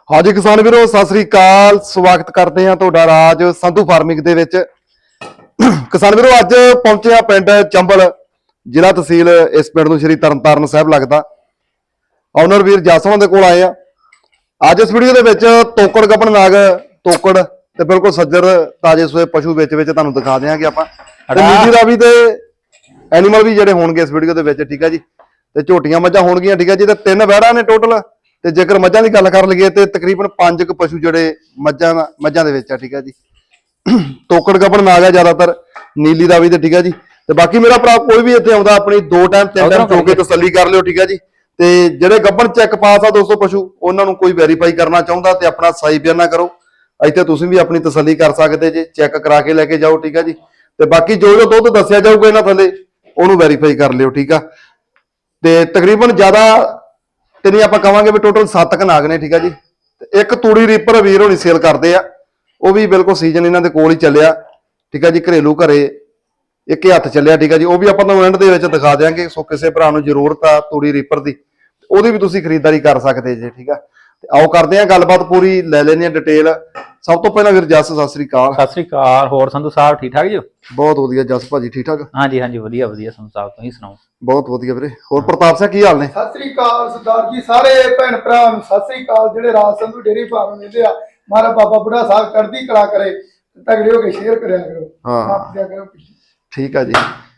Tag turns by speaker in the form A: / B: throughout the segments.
A: ਹਾਂਜੀ ਕਿਸਾਨ ਵੀਰੋ ਸਤਿ ਸ੍ਰੀ ਅਕਾਲ। ਸਵਾਗਤ ਕਰਦੇ ਹਾਂ ਤੁਹਾਡਾ ਰਾਜ ਸੰਧੂ ਫਾਰਮਿੰਗ ਦੇ ਵਿੱਚ। ਕਿਸਾਨ ਵੀਰੋ ਅੱਜ ਪਹੁੰਚੇ ਆ ਪਿੰਡ ਚੰਬਲ, ਜ਼ਿਲ੍ਹਾ ਤਹਿਸੀਲ ਇਸ ਪਿੰਡ ਨੂੰ ਸ਼੍ਰੀ ਤਰਨਤਾਰਨ ਸਾਹਿਬ ਲੱਗਦਾ। ਓਨਰ ਵੀਰ ਜਸਵਾਂ ਦੇ ਕੋਲ ਆਏ ਆ। ਅੱਜ ਇਸ ਵੀਡੀਓ ਦੇ ਵਿੱਚ ਤੋਕੜ ਗੱਭਣ ਨਾਗ, ਤੋਕੜ ਤੇ ਬਿਲਕੁਲ ਸੱਜਰ ਤਾਜੇ ਸੋਏ ਪਸ਼ੂ ਵਿੱਚ ਤੁਹਾਨੂੰ ਦਿਖਾ ਦਿਆਂਗੇ ਆਪਾਂ। ਤੇ ਨੀਲੀ ਰਾਵੀ ਤੇ ਐਨੀਮਲ ਵੀ ਜਿਹੜੇ ਹੋਣਗੇ ਇਸ ਵੀਡੀਓ ਦੇ ਵਿੱਚ, ਠੀਕ ਹੈ ਜੀ। ਤੇ ਝੋਟੀਆਂ ਮੱਝਾਂ ਹੋਣਗੀਆਂ, ਠੀਕ ਹੈ ਜੀ। ਤੇ 3 ਵਹਿੜਾਂ ਨੇ ਟੋਟਲ। ਤੇ ਜੇਕਰ ਮੱਝਾਂ ਦੀ ਗੱਲ ਕਰ ਲਈਏ ਤੇ ਤਕਰੀਬਨ 5 ਕੁ ਪਸ਼ੂ ਜਿਹੜੇ ਮੱਝਾਂ ਦੇ ਵਿੱਚ ਆ, ਠੀਕ ਹੈ ਜੀ। ਤੋਕੜ ਗੱਭਣ ਨਾਗ ਆ ਜ਼ਿਆਦਾਤਰ ਨੀਲੀ ਰਾਵੀ ਤੇ, ਠੀਕ ਹੈ ਜੀ। ਤੇ ਬਾਕੀ ਮੇਰਾ ਭਰਾ ਕੋਈ ਵੀ ਇੱਥੇ ਆਉਂਦਾ ਆਪਣੀ 2 ਟਾਈਮ 3 ਟਾਈਮ ਚੋ ਕੇ ਤਸੱਲੀ ਕਰ ਲਿਓ, ਠੀਕ ਹੈ ਜੀ। ਤੇ ਜਿਹੜੇ ਗੱਭਣ ਚੈੱਕ ਪਾਸ ਆ ਦੋਸਤੋ ਪਸ਼ੂ, ਉਹਨਾਂ ਨੂੰ ਕੋਈ ਵੈਰੀਫਾਈ ਕਰਨਾ ਚਾਹੁੰਦਾ ਤੇ ਆਪਣਾ ਸਾਈ ਬਿਆਨਾ ਕਰੋ। ਇੱਥੇ ਤੁਸੀਂ ਵੀ ਆਪਣੀ ਤਸੱਲੀ ਕਰ ਸਕਦੇ ਜੇ, ਚੈੱਕ ਕਰਾ ਕੇ ਲੈ ਕੇ ਜਾਓ, ਠੀਕ ਹੈ ਜੀ। ਤੇ ਬਾਕੀ ਜੋ ਦੁੱਧ ਦੱਸਿਆ ਜਾਊਗਾ ਇਹਨਾਂ ਥੱਲੇ ਉਹਨੂੰ ਵੈਰੀਫਾਈ ਕਰ ਲਿਓ, ਠੀਕ ਆ। ਤੇ ਤਕਰੀਬਨ ਜ਼ਿਆਦਾ ਤੇ ਨਹੀਂ ਆਪਾਂ ਕਵਾਂਗੇ ਵੀ ਟੋਟਲ 7 ਕ ਨਾਗ ਨੇ, ਠੀਕ ਆ ਜੀ। ਤੇ ਇੱਕ ਤੂੜੀ ਰੀਪਰ ਵੀਰ ਹੋਣੀ ਸੇਲ ਕਰਦੇ ਆ, ਉਹ ਵੀ ਬਿਲਕੁਲ ਸੀਜ਼ਨ ਇਹਨਾਂ ਦੇ ਕੋਲ ਹੀ ਚੱਲਿਆ, ਠੀਕ ਆ ਜੀ। ਘਰੇਲੂ ਘਰੇ ਇੱਕ ਹੱਥ ਚੱਲਿਆ, ਠੀਕ ਆ ਜੀ। ਉਹ ਵੀ ਆਪਾਂ ਤੁਹਾਨੂੰ ਐਂਡ ਦੇ ਵਿੱਚ ਦਿਖਾ ਦਿਆਂਗੇ। ਸੋ ਕਿਸੇ ਭਰਾ ਨੂੰ ਜ਼ਰੂਰਤ ਆ ਤੂੜੀ ਰੀਪਰ ਦੀ, ਉਹਦੀ ਵੀ ਤੁਸੀਂ ਖਰੀਦਦਾਰੀ ਕਰ ਸਕਦੇ ਜੇ, ਠੀਕ ਆ। ਤੇ ਆਓ ਕਰਦੇ ਆ ਗੱਲਬਾਤ ਪੂਰੀ, ਲੈ ਲੈਣੇ ਆ ਡਿਟੇਲ। ਸਭ ਤੋਂ ਪਹਿਲਾਂ ਵੀਰ ਜਸ ਸਤਿ ਸ੍ਰੀ ਅਕਾਲ।
B: ਸਤਿ ਸ੍ਰੀ ਅਕਾਲ। ਹੋਰ ਸੰਧੂ ਸਾਹਿਬ ਠੀਕ ਠਾਕ ਜੀ?
A: ਬਹੁਤ ਵਧੀਆ ਜਸ ਭਾਜੀ, ਠੀਕ ਠਾਕ?
B: ਹਾਂਜੀ ਹਾਂਜੀ ਵਧੀਆ ਵਧੀਆ ਸੰਧੂ ਸਾਹਿਬ, ਤੁਸੀਂ ਸੁਣਾਓ?
A: ਬਹੁਤ ਵਧੀਆ ਵੀਰੇ। ਹੋਰ ਪ੍ਰਤਾਪ ਸਿੰਘ ਕੀ ਹਾਲ ਨੇ?
C: ਸਤਿ ਸ੍ਰੀ ਅਕਾਲ ਸਰਦਾਰ ਜੀ, ਸਾਰੇ ਭੈਣ ਭਰਾ ਨੂੰ ਸਤਿ ਸ੍ਰੀ ਅਕਾਲ। ਜਿਹੜੇ ਰਾਜ ਸੰਧੂ ਡੇਰੀ ਫਾਰਮ ਲੈਂਦੇ ਆ, ਮਾਰਾ ਬਾਬਾ ਬੁੱਢਾ ਸਾਹਿਬ ਚੜ੍ਹਦੀ ਕਲਾ ਕਰੇ। ਤਗੜੇ ਹੋ ਕੇ ਸ਼ੇਅਰ ਕਰਿਆ ਕਰੋ, ਆਪ ਦਿਆ ਕਰੋ। ਠੀਕ
A: ਆ ਜੀ।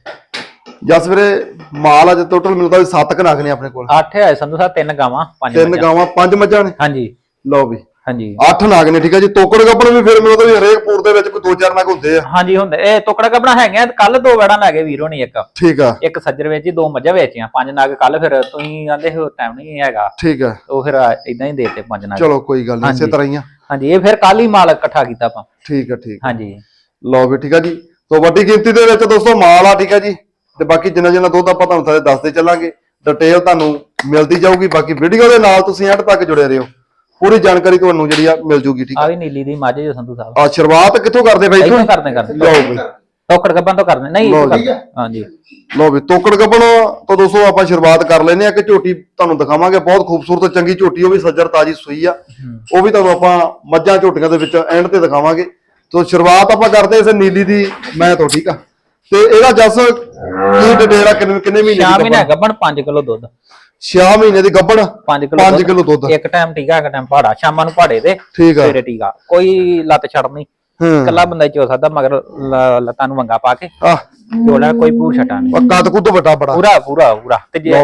A: ਜਸ ਵੀਰੇ ਮਾਲ ਅੱਜ ਟੋਟਲ ਮਿਲਦਾ ਵੀ 7 ਕ ਨਾਗ ਨੇ ਆਪਣੇ ਕੋਲ।
B: 8 ਹੈ ਸੰਧੂ ਸਾਹਿਬ, 3 ਗਾਵਾਂ
A: 3 ਗਾਵਾਂ 5 ਮੱਝਾਂ ਨੇ।
B: ਹਾਂਜੀ
A: ਲਓ ਵੀ
B: ਹਾਂਜੀ
A: 8 ਨਾਗ ਨੇ, ਠੀਕ ਹੈ ਜੀ। ਤੋਕੜ ਗੱਭਣ ਵੀ ਫਿਰ ਮਿਲਦਾ ਵੀ ਹਰੇਕ ਪੂਰ ਦੇ ਵਿੱਚ ਕੋਈ 2-4 ਨਾਗ ਹੁੰਦੇ ਆ।
B: ਹਾਂਜੀ ਹੁੰਦੇ। ਇਹ ਟੁਕੜਾ ਕੱਪੜਾ ਹੈਗੇ। ਕੱਲ 2 ਵੜਾਂ ਲੈ ਗਏ ਵੀਰੋ ਨੇ,
A: ਠੀਕ ਆ।
B: ਇੱਕ ਸੱਜਰ ਵੇਚੀ, 2 ਮੱਝਾਂ ਵੇਚੀਆਂ, 5 ਨਾਗ ਕੱਲ। ਫਿਰ ਤੁਸੀਂ ਆਂਦੇ ਹੋ ਟਾਈਮ ਨਹੀਂ ਹੈਗਾ,
A: ਠੀਕ ਆ।
B: ਉਹ ਫਿਰ ਇਦਾਂ ਹੀ ਦੇਤੇ 5 ਨਾਗ।
A: ਚਲੋ ਕੋਈ ਗੱਲ ਨਹੀਂ, ਇਸੇ ਤਰ੍ਹਾਂ ਹੀ ਆ।
B: ਹਾਂਜੀ ਇਹ ਫਿਰ ਕੱਲ ਹੀ ਮਾਲ ਇਕੱਠਾ ਕੀਤਾ ਆਪਾਂ।
A: ਠੀਕ ਆ ਠੀਕ।
B: ਹਾਂਜੀ
A: ਲਓ ਵੀ ਠੀਕ ਆ ਜੀ। ਸੋ ਵੱਡੀ ਗਿਣਤੀ ਦੇ ਵਿੱਚ ਦੋਸਤੋ ਮਾਲ ਆ, ਠੀਕ ਆ ਜੀ। ਤੇ ਬਾਕੀ ਜਿੰਨਾ ਦੁੱਧ ਆਪਾਂ ਤੁਹਾਨੂੰ ਸਾਰੇ ਦੱਸਦੇ ਚੱਲਾਂਗੇ, ਡਿਟੇਲ ਤੁਹਾਨੂੰ ਮਿਲਦੀ ਜਾਊਗੀ। ਬਾਕੀ ਵੀਡੀਓ ਦੇ ਨਾਲ ਤੁਸੀਂ ਐਂਡ ਤੱਕ ਜੁੜੇ ਰਹੋ, ਪੂਰੀ ਜਾਣਕਾਰੀ ਤੁਹਾਨੂੰ ਜਿਹੜੀ ਆ ਮਿਲ ਜੂਗੀ, ਠੀਕ ਆ।
B: ਆ ਵੀ ਨੀਲੀ ਦੀ ਮੱਝ ਜੋ ਸੰਧੂ ਸਾਹਿਬ।
A: ਆ ਸ਼ੁਰੂਆਤ ਕਿੱਥੋਂ ਕਰਦੇ ਬਾਈ?
B: ਇੱਥੋਂ ਕਰਦੇ
A: ਲਓ ਵੀ
B: ਟੋਕੜ ਗੱਭਣ ਤੋਂ ਕਰਦੇ ਨਹੀਂ। ਹਾਂਜੀ
A: ਲਓ ਵੀ ਤੋਕੜ ਗੱਭਣ ਤੋਂ ਦੋਸਤੋ ਆਪਾਂ ਸ਼ੁਰੂਆਤ ਕਰ ਲੈਨੇ ਆ ਕਿ ਝੋਟੀ ਤੁਹਾਨੂੰ ਦਿਖਾਵਾਂਗੇ। ਬਹੁਤ ਖੂਬਸੂਰਤ ਚੰਗੀ ਝੋਟੀ, ਉਹ ਵੀ ਸੱਜਰ ਤਾਜੀ ਸੂਈ ਆ। ਉਹ ਵੀ ਤੁਹਾਨੂੰ ਆਪਾਂ ਮੱਝਾਂ ਝੋਟੀਆਂ ਦੇ ਵਿੱਚ ਐਂਡ ਤੇ ਦਿਖਾਵਾਂਗੇ। ਤੋਂ ਸ਼ੁਰੂਆਤ ਆਪਾਂ ਕਰਦੇ ਇਸ ਨੀਲੀ ਦੀ ਮੈਂ ਤੋਂ, ਠੀਕ ਆ। ਤੇ ਇਹਦਾ ਜਸ ਕੀ ਡਿਟੇਲ ਆ? ਕਿੰਨੇ ਮਹੀਨੇ ਦੀ?
B: 6 ਮਹੀਨੇ ਗੱਭਣ, 5 ਕਿਲੋ ਦੁੱਧ।
A: 6 ਮਹੀਨੇ ਦੀ ਗੱਭਣ,
B: 5
A: ਕਿਲੋ ਦੁੱਧ।
B: ਇੱਕ ਟਾਈਮ ਟੀਕਾ, ਇੱਕ ਟਾਈਮ ਪਾੜਾ। ਸ਼ਾਮਾਂ ਨੂੰ ਪਾੜੇ ਤੇ
A: ਠੀਕ ਆ,
B: ਸਵੇਰੇ ਟੀਕਾ। ਕੋਈ ਲੱਤ ਛੱਡ ਨਹੀਂ, ਇਕੱਲਾ ਬੰਦਾ ਚੋ ਸਕਦਾ। ਮਗਰ ਲੱਤਾਂ ਨੂੰ ਵੰਗਾ ਪਾ ਕੇ ਚੋਲਾ, ਕੋਈ ਪੂਰ ਛਟਾ ਨਹੀਂ।
A: ਕੱਦ ਕੁੱਦ ਵੱਡਾ ਬੜਾ
B: ਪੂਰਾ ਪੂਰਾ ਪੂਰਾ।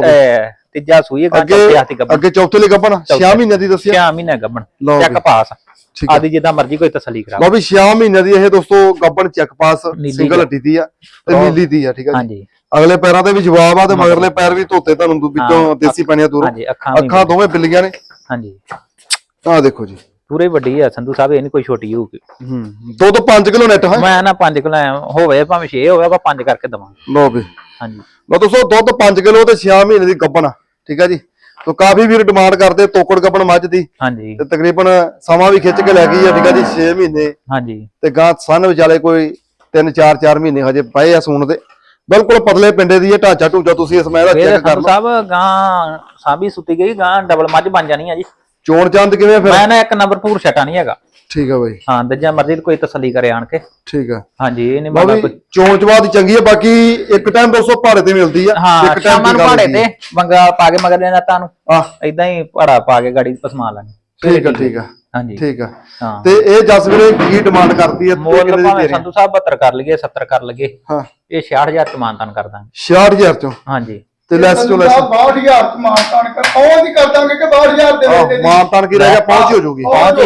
B: ਤੀਜਾ ਸੂਈ
A: ਅੱਗੇ ਚੌਥੇ ਲਈ ਗੱਭਣ 6 ਮਹੀਨੇ ਦੀ ਦੱਸਿਆ।
B: 6 ਮਹੀਨੇ ਗੱਭਣ, ਚੈੱਕ ਪਾਸ ਆਦੀ ਜਿੱਦਾਂ ਮਰਜੀ ਕੋਈ ਤਸੱਲੀ ਕਰਾ।
A: ਲਓ ਵੀ 6 ਮਹੀਨੇ ਦੀ ਇਹ ਦੋਸਤੋ ਗੱਭਣ ਚੈੱਕ ਪਾਸ, ਸਿੰਗਲ ਹੱਡੀ ਦੀ ਆ ਤੇ ਨੀਲੀ ਦੀ ਆ, ਠੀਕ ਆ।
B: ਹਾਂਜੀ
A: ਅਗਲੇ ਪੈਰਾਂ ਤੇ ਵੀ ਜਵਾਬ ਆ ਤੇ ਮਗਰਲੇ ਪੈਰ ਵੀ ਧੋਤੇ, ਤੁਹਾਨੂੰ ਵਿੱਚੋਂ ਦੇਸੀ ਪਾਣੀਆਂ ਦੂਰੋਂ। ਅੱਖਾਂ ਦੋਵੇਂ ਬਿੱਲੀਆਂ ਨੇ।
B: ਹਾਂਜੀ
A: ਆਹ ਦੇਖੋ ਜੀ,
B: ਪੂਰੇ ਵੱਡੀ ਆ ਸੰਧੂ ਸਾਹਿਬ, ਇਹ ਨਹੀਂ ਕੋਈ ਛੋਟੀ ਹੋਊਗੀ।
A: ਦੁੱਧ 5 ਕਿਲੋ ਨੈਟ ਹੈ।
B: ਮੈਂ ਨਾ 5 ਕਿਲੋ ਹੋਵੇ ਭਾਵੇਂ 6 ਹੋਵੇ, ਆਪਾਂ 5 ਕਰਕੇ ਦਵਾਂਗੇ।
A: ਲਓ ਵੀ
B: ਹਾਂਜੀ
A: ਲਓ ਦੋਸਤੋ ਦੁੱਧ 5 ਕਿਲੋ ਤੇ 6 ਮਹੀਨੇ ਦੀ ਗੱਭਣ ਆ, ਠੀਕ ਆ ਜੀ। ਤੋ ਕਾਫੀ ਵੀਰ ਡਿਮਾਂਡ ਕਰਦੇ ਤੋਕੜ ਗੱਭਣ ਮੱਝ ਦੀ।
B: ਹਾਂਜੀ
A: ਤੇ ਤਕਰੀਬਨ ਸਮਾਂ ਵੀ ਖਿੱਚ ਕੇ ਲੈ ਗਈ ਆ, ਠੀਕ ਆ ਜੀ। 6 ਮਹੀਨੇ
B: ਹਾਂਜੀ
A: ਤੇ ਗਾਂ ਸਨ ਵਿਚਾਲੇ ਕੋਈ 3-4 ਮਹੀਨੇ ਹਜੇ ਪਏ ਆ ਸੂਣ ਦੇ। ਬਿਲਕੁਲ ਪਤਲੇ ਪਿੰਡੇ ਦੀ ਇਹ ਢਾਂਚਾ ਢੂਚਾ ਤੁਸੀਂ ਇਸ ਮੈਂ ਦਾ ਚੈੱਕ ਕਰ ਲਓ।
B: ਸਾਹਿਬ ਗਾਂ ਸਾਂਭੀ ਸੁੱਤੀ ਗਈ, ਗਾਂ ਡਬਲ ਮੱਝ ਬਣ ਜਾਣੀ ਆ ਜੀ।
A: ਚੋਣ ਚੰਦ ਕਿਵੇਂ ਫਿਰ?
B: ਮੈਂ ਨਾ ਇੱਕ ਨੰਬਰ ਪੂਰ ਛਟਾ ਨਹੀਂ ਹੈਗਾ।
A: ਠੀਕ ਆ ਬਾਈ।
B: ਹਾਂ ਦਜਾ ਮਰਜ਼ੀ ਕੋਈ ਤਸੱਲੀ ਕਰੇ ਆਣ ਕੇ।
A: ਠੀਕ ਆ।
B: ਹਾਂਜੀ ਇਹ ਨਹੀਂ
A: ਬਾਬਾ ਚੋਣ ਚਵਾਦ ਚੰਗੀ ਆ। ਬਾਕੀ ਇੱਕ ਟਾਈਮ 200 ਭਾੜੇ ਤੇ ਮਿਲਦੀ ਆ।
B: ਹਾਂ ਸ਼ਾਮਾਂ ਨੂੰ ਭਾੜੇ ਤੇ ਵੰਗਾ ਪਾ ਕੇ ਮਗਰ ਦੇ ਨਾ ਤੁਹਾਨੂੰ ਇਦਾਂ ਹੀ ਭਾੜਾ ਪਾ ਕੇ ਗਾੜੀ ਪਸਮਾ ਲਾਂਗੇ।
A: ਠੀਕ ਆ ਠੀਕ ਆ।
B: ਹਾਂਜੀ ਠੀਕ
A: ਆ।
B: ਹਾਂ
A: ਤੇ ਇਹ ਜਸ ਵੀਰੇ ਕੀ ਡਿਮਾਂਡ ਕਰਦੀ ਹੈ?
B: ਮੁੱਲ ਭਾਵੇਂ ਸੰਧੂ ਸਾਹਿਬ 72 ਕਰ ਲਈਏ, 70 ਕਰ ਲਈਏ। ਹਾਂ ਇਹ 66000 ਚ ਮਾਨਤਾਨ ਕਰ ਦਾਂਗੇ।
A: 66000 ਚੋਂ?
B: ਹਾਂਜੀ
A: ਤੇ ਲੈਸ ਚੋਂ ਲੈਸ
C: 62000 ਚ ਮਾਨਤਾਨ ਕਰ ਉਹ ਵੀ ਕਰ ਦਾਂਗੇ ਕਿ 62000 ਦੇ ਵਿੱਚ
A: ਮਾਨਤਾਨ ਕੀ ਰਹਿ ਗਿਆ? ਪਹੁੰਚ ਹੋ ਜੂਗੀ।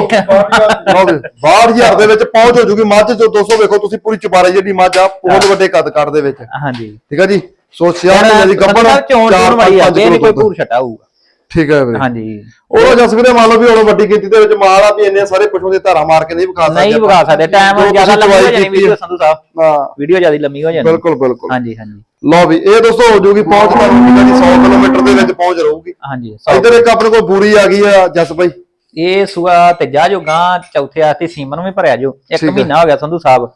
A: 62000 ਦੇ ਵਿੱਚ ਪਹੁੰਚ ਹੋ ਜੂਗੀ। ਮੱਝ ਜੋ 200 ਵੇਖੋ ਤੁਸੀਂ, ਪੂਰੀ ਚੁਬਾਰੇ ਜਿਹੜੀ ਮੱਝ ਆ, ਬਹੁਤ ਵੱਡੇ ਕੱਦ ਕਾਰ ਦੇ ਵਿੱਚ।
B: ਹਾਂਜੀ
A: ਠੀਕ ਆ ਜੀ। ਸੋ 66000 ਦੀ ਗੱਭਣ,
B: 4-5 ਕਿਲੋ ਕੋਈ ਪੂਰ ਛਟਾ ਹੋਊਗਾ।
A: ਠੀਕ ਹੈ ਵੀਰੇ।
B: ਹਾਂਜੀ
A: ਉਹ ਜਸ ਵੀਰੇ ਮੰਨ ਲਓ ਵੀ ਹੁਣ ਵੱਡੀ ਗਿਣਤੀ ਦੇ ਵਿੱਚ ਮਾਲ ਆ ਵੀ ਇੰਨੇ ਸਾਰੇ ਪਸ਼ੂ ਦੇ ਧਾਰਾ ਮਾਰ ਕੇ ਨਹੀਂ ਵਿਖਾ ਸਕਦੇ।
B: ਨਹੀਂ ਵਿਖਾ ਸਕਦੇ, ਟਾਈਮ ਜ਼ਿਆਦਾ ਲੰਮੀ ਹੋ ਜਾਣੀ ਵੀਡੀਓ ਸੰਧੂ ਸਾਹਿਬ। ਹਾਂ ਵੀਡੀਓ ਜ਼ਿਆਦਾ ਲੰਮੀ ਹੋ ਜਾਣੀ।
A: ਬਿਲਕੁਲ ਬਿਲਕੁਲ।
B: ਹਾਂਜੀ ਹਾਂਜੀ
A: ਲਓ ਵੀ ਇਹ ਦੋਸਤੋ ਹੋ ਜੂਗੀ ਪਹੁੰਚ ਤੁਹਾਨੂੰ, ਠੀਕ ਹੈ ਜੀ। 100 ਕਿਲੋਮੀਟਰ ਦੇ ਵਿੱਚ ਪਹੁੰਚ ਰਹੂਗੀ।
B: ਹਾਂਜੀ
A: ਇੱਧਰ ਇੱਕ ਆਪਣੇ ਕੋਲ ਬੂਰੀ ਆ ਗਈ ਆ ਜਸ ਬਾਈ।
B: ਇਹ ਸੂਆ ਤੀਜਾ ਜੋ ਗਾਂ ਚੌਥੇ ਆਸਤੇ ਸੀਮਨ ਨੂੰ ਵੀ ਭਰਿਆ ਜੋ 1 ਮਹੀਨਾ ਹੋ ਗਿਆ ਸੰਧੂ ਸਾਹਿਬ।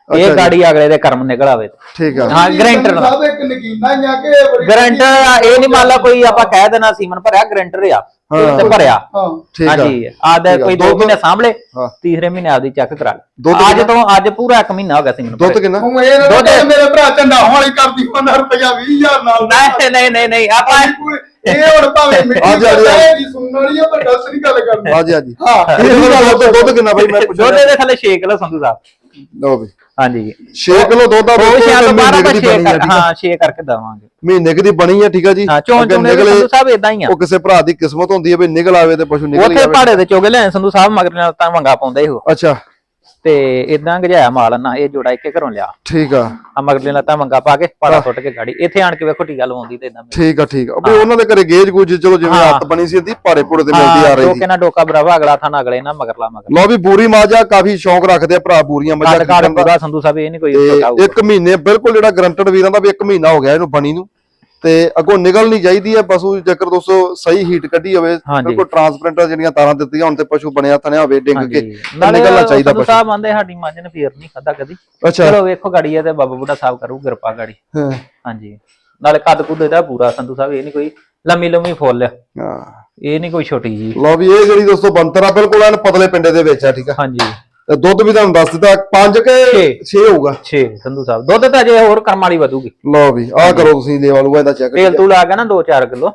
B: ਇਹ ਗਾੜੀ ਅਗਲੇ ਦੇ ਕਰਮ ਨਿਕਲ ਆਵੇ
A: ਠੀਕ ਆ
B: ਹਾਂ ਗਰੰਟਰ
C: ਸਾਹਿਬ ਇੱਕ ਨਗੀਨਾ ਹੀ ਆ ਕਿ ਬੜੀ
B: ਗਰੰਟਰ ਇਹ ਨਹੀਂ ਮੰਨ ਲਾ ਕੋਈ ਆਪਾਂ ਕਹਿ ਦੇਣਾ ਸੀਮਨ ਭਰਿਆ ਗਰੰਟਰ ਆ ਤੇ ਭਰਿਆ
C: ਹਾਂ
A: ਠੀਕ ਆ
B: ਹਾਂਜੀ ਆਦੇ ਕੋਈ 2 ਮਹੀਨੇ ਸਾਂਭਲੇ
A: ਹਾਂ।
B: ਤੀਸਰੇ ਮਹੀਨੇ ਆਪਦੀ ਚੈੱਕ ਕਰਾ
A: ਦੁੱਧ
B: ਲੈ ਅੱਜ ਪੂਰਾ 1 ਮਹੀਨਾ ਹੋ ਗਿਆ ਸੀਮਨ
A: ਦੁੱਧ ਕਿੰਨਾ
C: ਹੁਣ ਇਹ ਨਾ
B: ਦੁੱਧ-
C: ਕਹਿ ਮੇਰੇ ਭਰਾ ਝੰਡਾ ਵਾਲੀ ਕਰਦੀ 15 ਰੁਪਇਆ 20000 ਨਾਲ
B: ਨਹੀਂ ਆਪਾਂ
C: ਇਹ ਹੁਣ ਭਾਵੇਂ
A: ਆ
C: ਮਿੱਟੀ
A: ਜਾ, ਆ ਜਾ।
C: ਦੀ ਸੁਣਨ ਵਾਲੀ ਆ ਪਰ ਦੱਸ ਨਹੀਂ ਗੱਲ ਕਰਨੀ
A: ਹਾਂਜੀ ਹਾਂਜੀ
C: ਹਾਂ
A: ਇਹ ਗੱਲ ਦੁੱਧ ਕਿੰਨਾ ਬਾਈ ਮੈਂ ਪੁੱਛਿਆ
B: ਦੁੱਧ ਦੇ ਥੱਲੇ 6 ਕਿਲੋ ਸੰਧੂ ਸਾਹਿਬ
A: ਲਓ ਵੀ
B: ਹਾਂਜੀ
A: 6 ਕਿਲੋ ਦੁੱਧ ਦਾ
B: ਉਹ ਸ਼ਾਇਦ
A: ਮਹੀਨੇ
B: 12
A: ਕੁ ਦੀ ਬਣੀ ਆ, ਠੀਕ ਆ?
B: ਹਾਂ 6 ਕਰਕੇ ਦਵਾਂਗੇ
A: ਮਹੀਨੇ ਕੁ ਦੀ ਬਣੀ ਆ ਠੀਕ ਆ ਜੀ
B: ਹਾਂ ਚੋਂ
A: ਅੱਗੇ
B: ਚੋਂ
A: ਨਿਕਲੇ
B: ਸੰਧੂ ਸਾਹਿਬ ਇਦਾਂ ਹੀ ਆ
A: ਉਹ ਕਿਸੇ ਭਰਾ ਦੀ ਕਿਸਮਤ ਹੁੰਦੀ ਹੈ ਵੀ ਨਿਕਲ ਆਵੇ ਤੇ ਪਸ਼ੂ ਨਿਕਲ
B: ਉੱਥੇ
A: ਜਾਵੇ
B: ਪਹਾੜੇ ਦੇ ਚੋਗੇ ਲੈ ਸੰਧੂ ਸਾਹਿਬ ਮਗਰ ਨਾਲ ਤਾਂ ਵੰਗਾ ਪਾਉਂਦਾ ਹੀ ਉਹ
A: ਅੱਛਾ
B: ਤੇ ਇਦਾਂ ਗਜਾਇਆ ਮਾਲ ਨਾ ਇਹ ਜੋੜਾ ਇੱਕੇ ਘਰੋਂ ਲਿਆ
A: ਠੀਕ ਆ
B: ਆ ਮਗਰਲੇ ਲੱਤਾਂ ਵੰਗਾ ਪਾ ਕੇ ਪਾੜਾ ਸੁੱਟ ਕੇ ਗਾੜੀ ਇੱਥੇ ਆਣ ਕੇ ਵੇਖੋ ਟੀਕਾ ਲਵਾਉਂਦੀ ਤੇ ਇਦਾਂ
A: ਠੀਕ ਆ ਠੀਕ ਆ ਵੀ ਉਹਨਾਂ ਦੇ ਘਰੇ ਗੇਜ ਗੂਜ ਚਲੋ ਜਿਵੇਂ
B: ਹਾਂ।
A: ਹੱਥ ਬਣੀ ਸੀ ਇਹਦੀ ਭਾਰੇ ਭੂੜੇ ਤੇ ਮਿਲਦੀ ਆ ਰਹੀ ਸੀ
B: ਟੋਕੇ ਨਾਲ ਡੋਕਾ ਬਰਾਵਾ ਅਗਲਾ ਥਾਣਾ ਅਗਲੇ ਨਾ ਮਗਰਲਾ ਮਗਰ
A: ਲਓ ਵੀ ਬੂਰੀ ਮਾਜਾ ਕਾਫੀ ਸ਼ੌਂਕ ਰੱਖਦੇ ਆ ਭਰਾ ਬੂਰੀਆਂ ਮੱਝਾਂ
B: ਕੱਦ ਕਾੜ
A: ਖਰੀਦਣ ਦਾ।
B: ਪੂਰਾ ਸੰਧੂ ਸਾਹਿਬ ਇਹ ਨਹੀਂ ਕੋਈ
A: ਤੇ
B: ਟੋਕਾ ਹੋਊਗਾ।
A: 1 ਮਹੀਨੇ ਬਿਲਕੁਲ ਜਿਹੜਾ ਗਰੰਟਡ ਵੀਰਾਂ ਦਾ ਵੀ 1 ਮਹੀਨਾ ਹੋ ਗਿਆ ਇਹਨੂੰ ਬਣੀ ਨੂੰ ਤੇ ਅੱਗੋਂ ਨਿਕਲ ਨਹੀਂ ਚਾਹੀਦੀ ਹੈ ਪਸ਼ੂ ਜੇਕਰ ਦੋਸਤੋ ਸਹੀ ਹੀਟ ਕੱਢੀ ਹੋਵੇ
B: ਹਾਂਜੀ।
A: ਬਿਲਕੁਲ ਟਰਾਂਸਪਰੈਂਟ ਜਿਹੜੀਆਂ ਤਾਰਾਂ ਦਿੱਤੀਆਂ ਹੁਣ ਤੇ ਪਸ਼ੂ ਬਣਿਆ ਤਨਿਆ ਹੋਵੇ ਡਿੱਗ ਕੇ
B: ਹਾਂਜੀ।
A: ਤੇ
B: ਨਾਲੇ
A: ਨਿਕਲਣਾ ਚਾਹੀਦਾ
B: ਸੰਧੂ
A: ਪਸ਼ੂ
B: ਸਾਹਿਬ ਆਂਦੇ ਸਾਡੀ ਮੱਝ ਨੇ ਫੇਰ ਨਹੀਂ ਖਾਦਾ ਕਦੀ
A: ਅੱਛਾ
B: ਚਲੋ ਵੇਖੋ ਗਾੜੀ ਹੈ ਤੇ ਬਾਬਾ ਬੁੱਢਾ ਸਾਹਿਬ ਕਰੂ ਕਿਰਪਾ ਗਾੜੀ
A: ਹਾਂ
B: ਹਾਂਜੀ ਨਾਲੇ ਕੱਦ ਕੁੱਦ ਇਹਦਾ ਪੂਰਾ ਸੰਧੂ ਸਾਹਿਬ ਇਹ ਨਹੀਂ ਕੋਈ ਲੰਮੀ ਫੁੱਲ ਆ
A: ਹਾਂ।
B: ਇਹ ਨਹੀਂ ਕੋਈ ਛੋਟੀ ਜੀ
A: ਲਓ ਵੀ ਇਹ ਜਿਹੜੀ ਦੋਸਤੋ ਬੰਤਰ ਆ ਬਿਲਕੁਲ ਐਨ ਪਤਲੇ ਪਿੰਡੇ ਦੇ ਵਿੱਚ ਆ ਠੀਕ ਆ
B: ਹਾਂਜੀ
A: ਤੇ ਦੁੱਧ ਵੀ ਤੁਹਾਨੂੰ ਦੱਸ ਦਿੱਤਾ 5 ਕੇ 6 ਹੋਊਗਾ
B: 6 ਸੰਧੂ ਸਾਹਿਬ ਦੁੱਧ ਤਾਂ ਅਜੇ ਹੋਰ ਕਰਮ ਵਾਲੀ ਵਧੂਗੀ
A: ਲਓ ਵੀ ਆਹ ਕਰੋ ਤੁਸੀਂ ਲੇਵਾ ਲੂਆ ਇਹਦਾ ਚੈੱਕ
B: ਤੇਲ ਤੂਲ ਆ ਗਿਆ ਨਾ 2-4 ਕਿਲੋ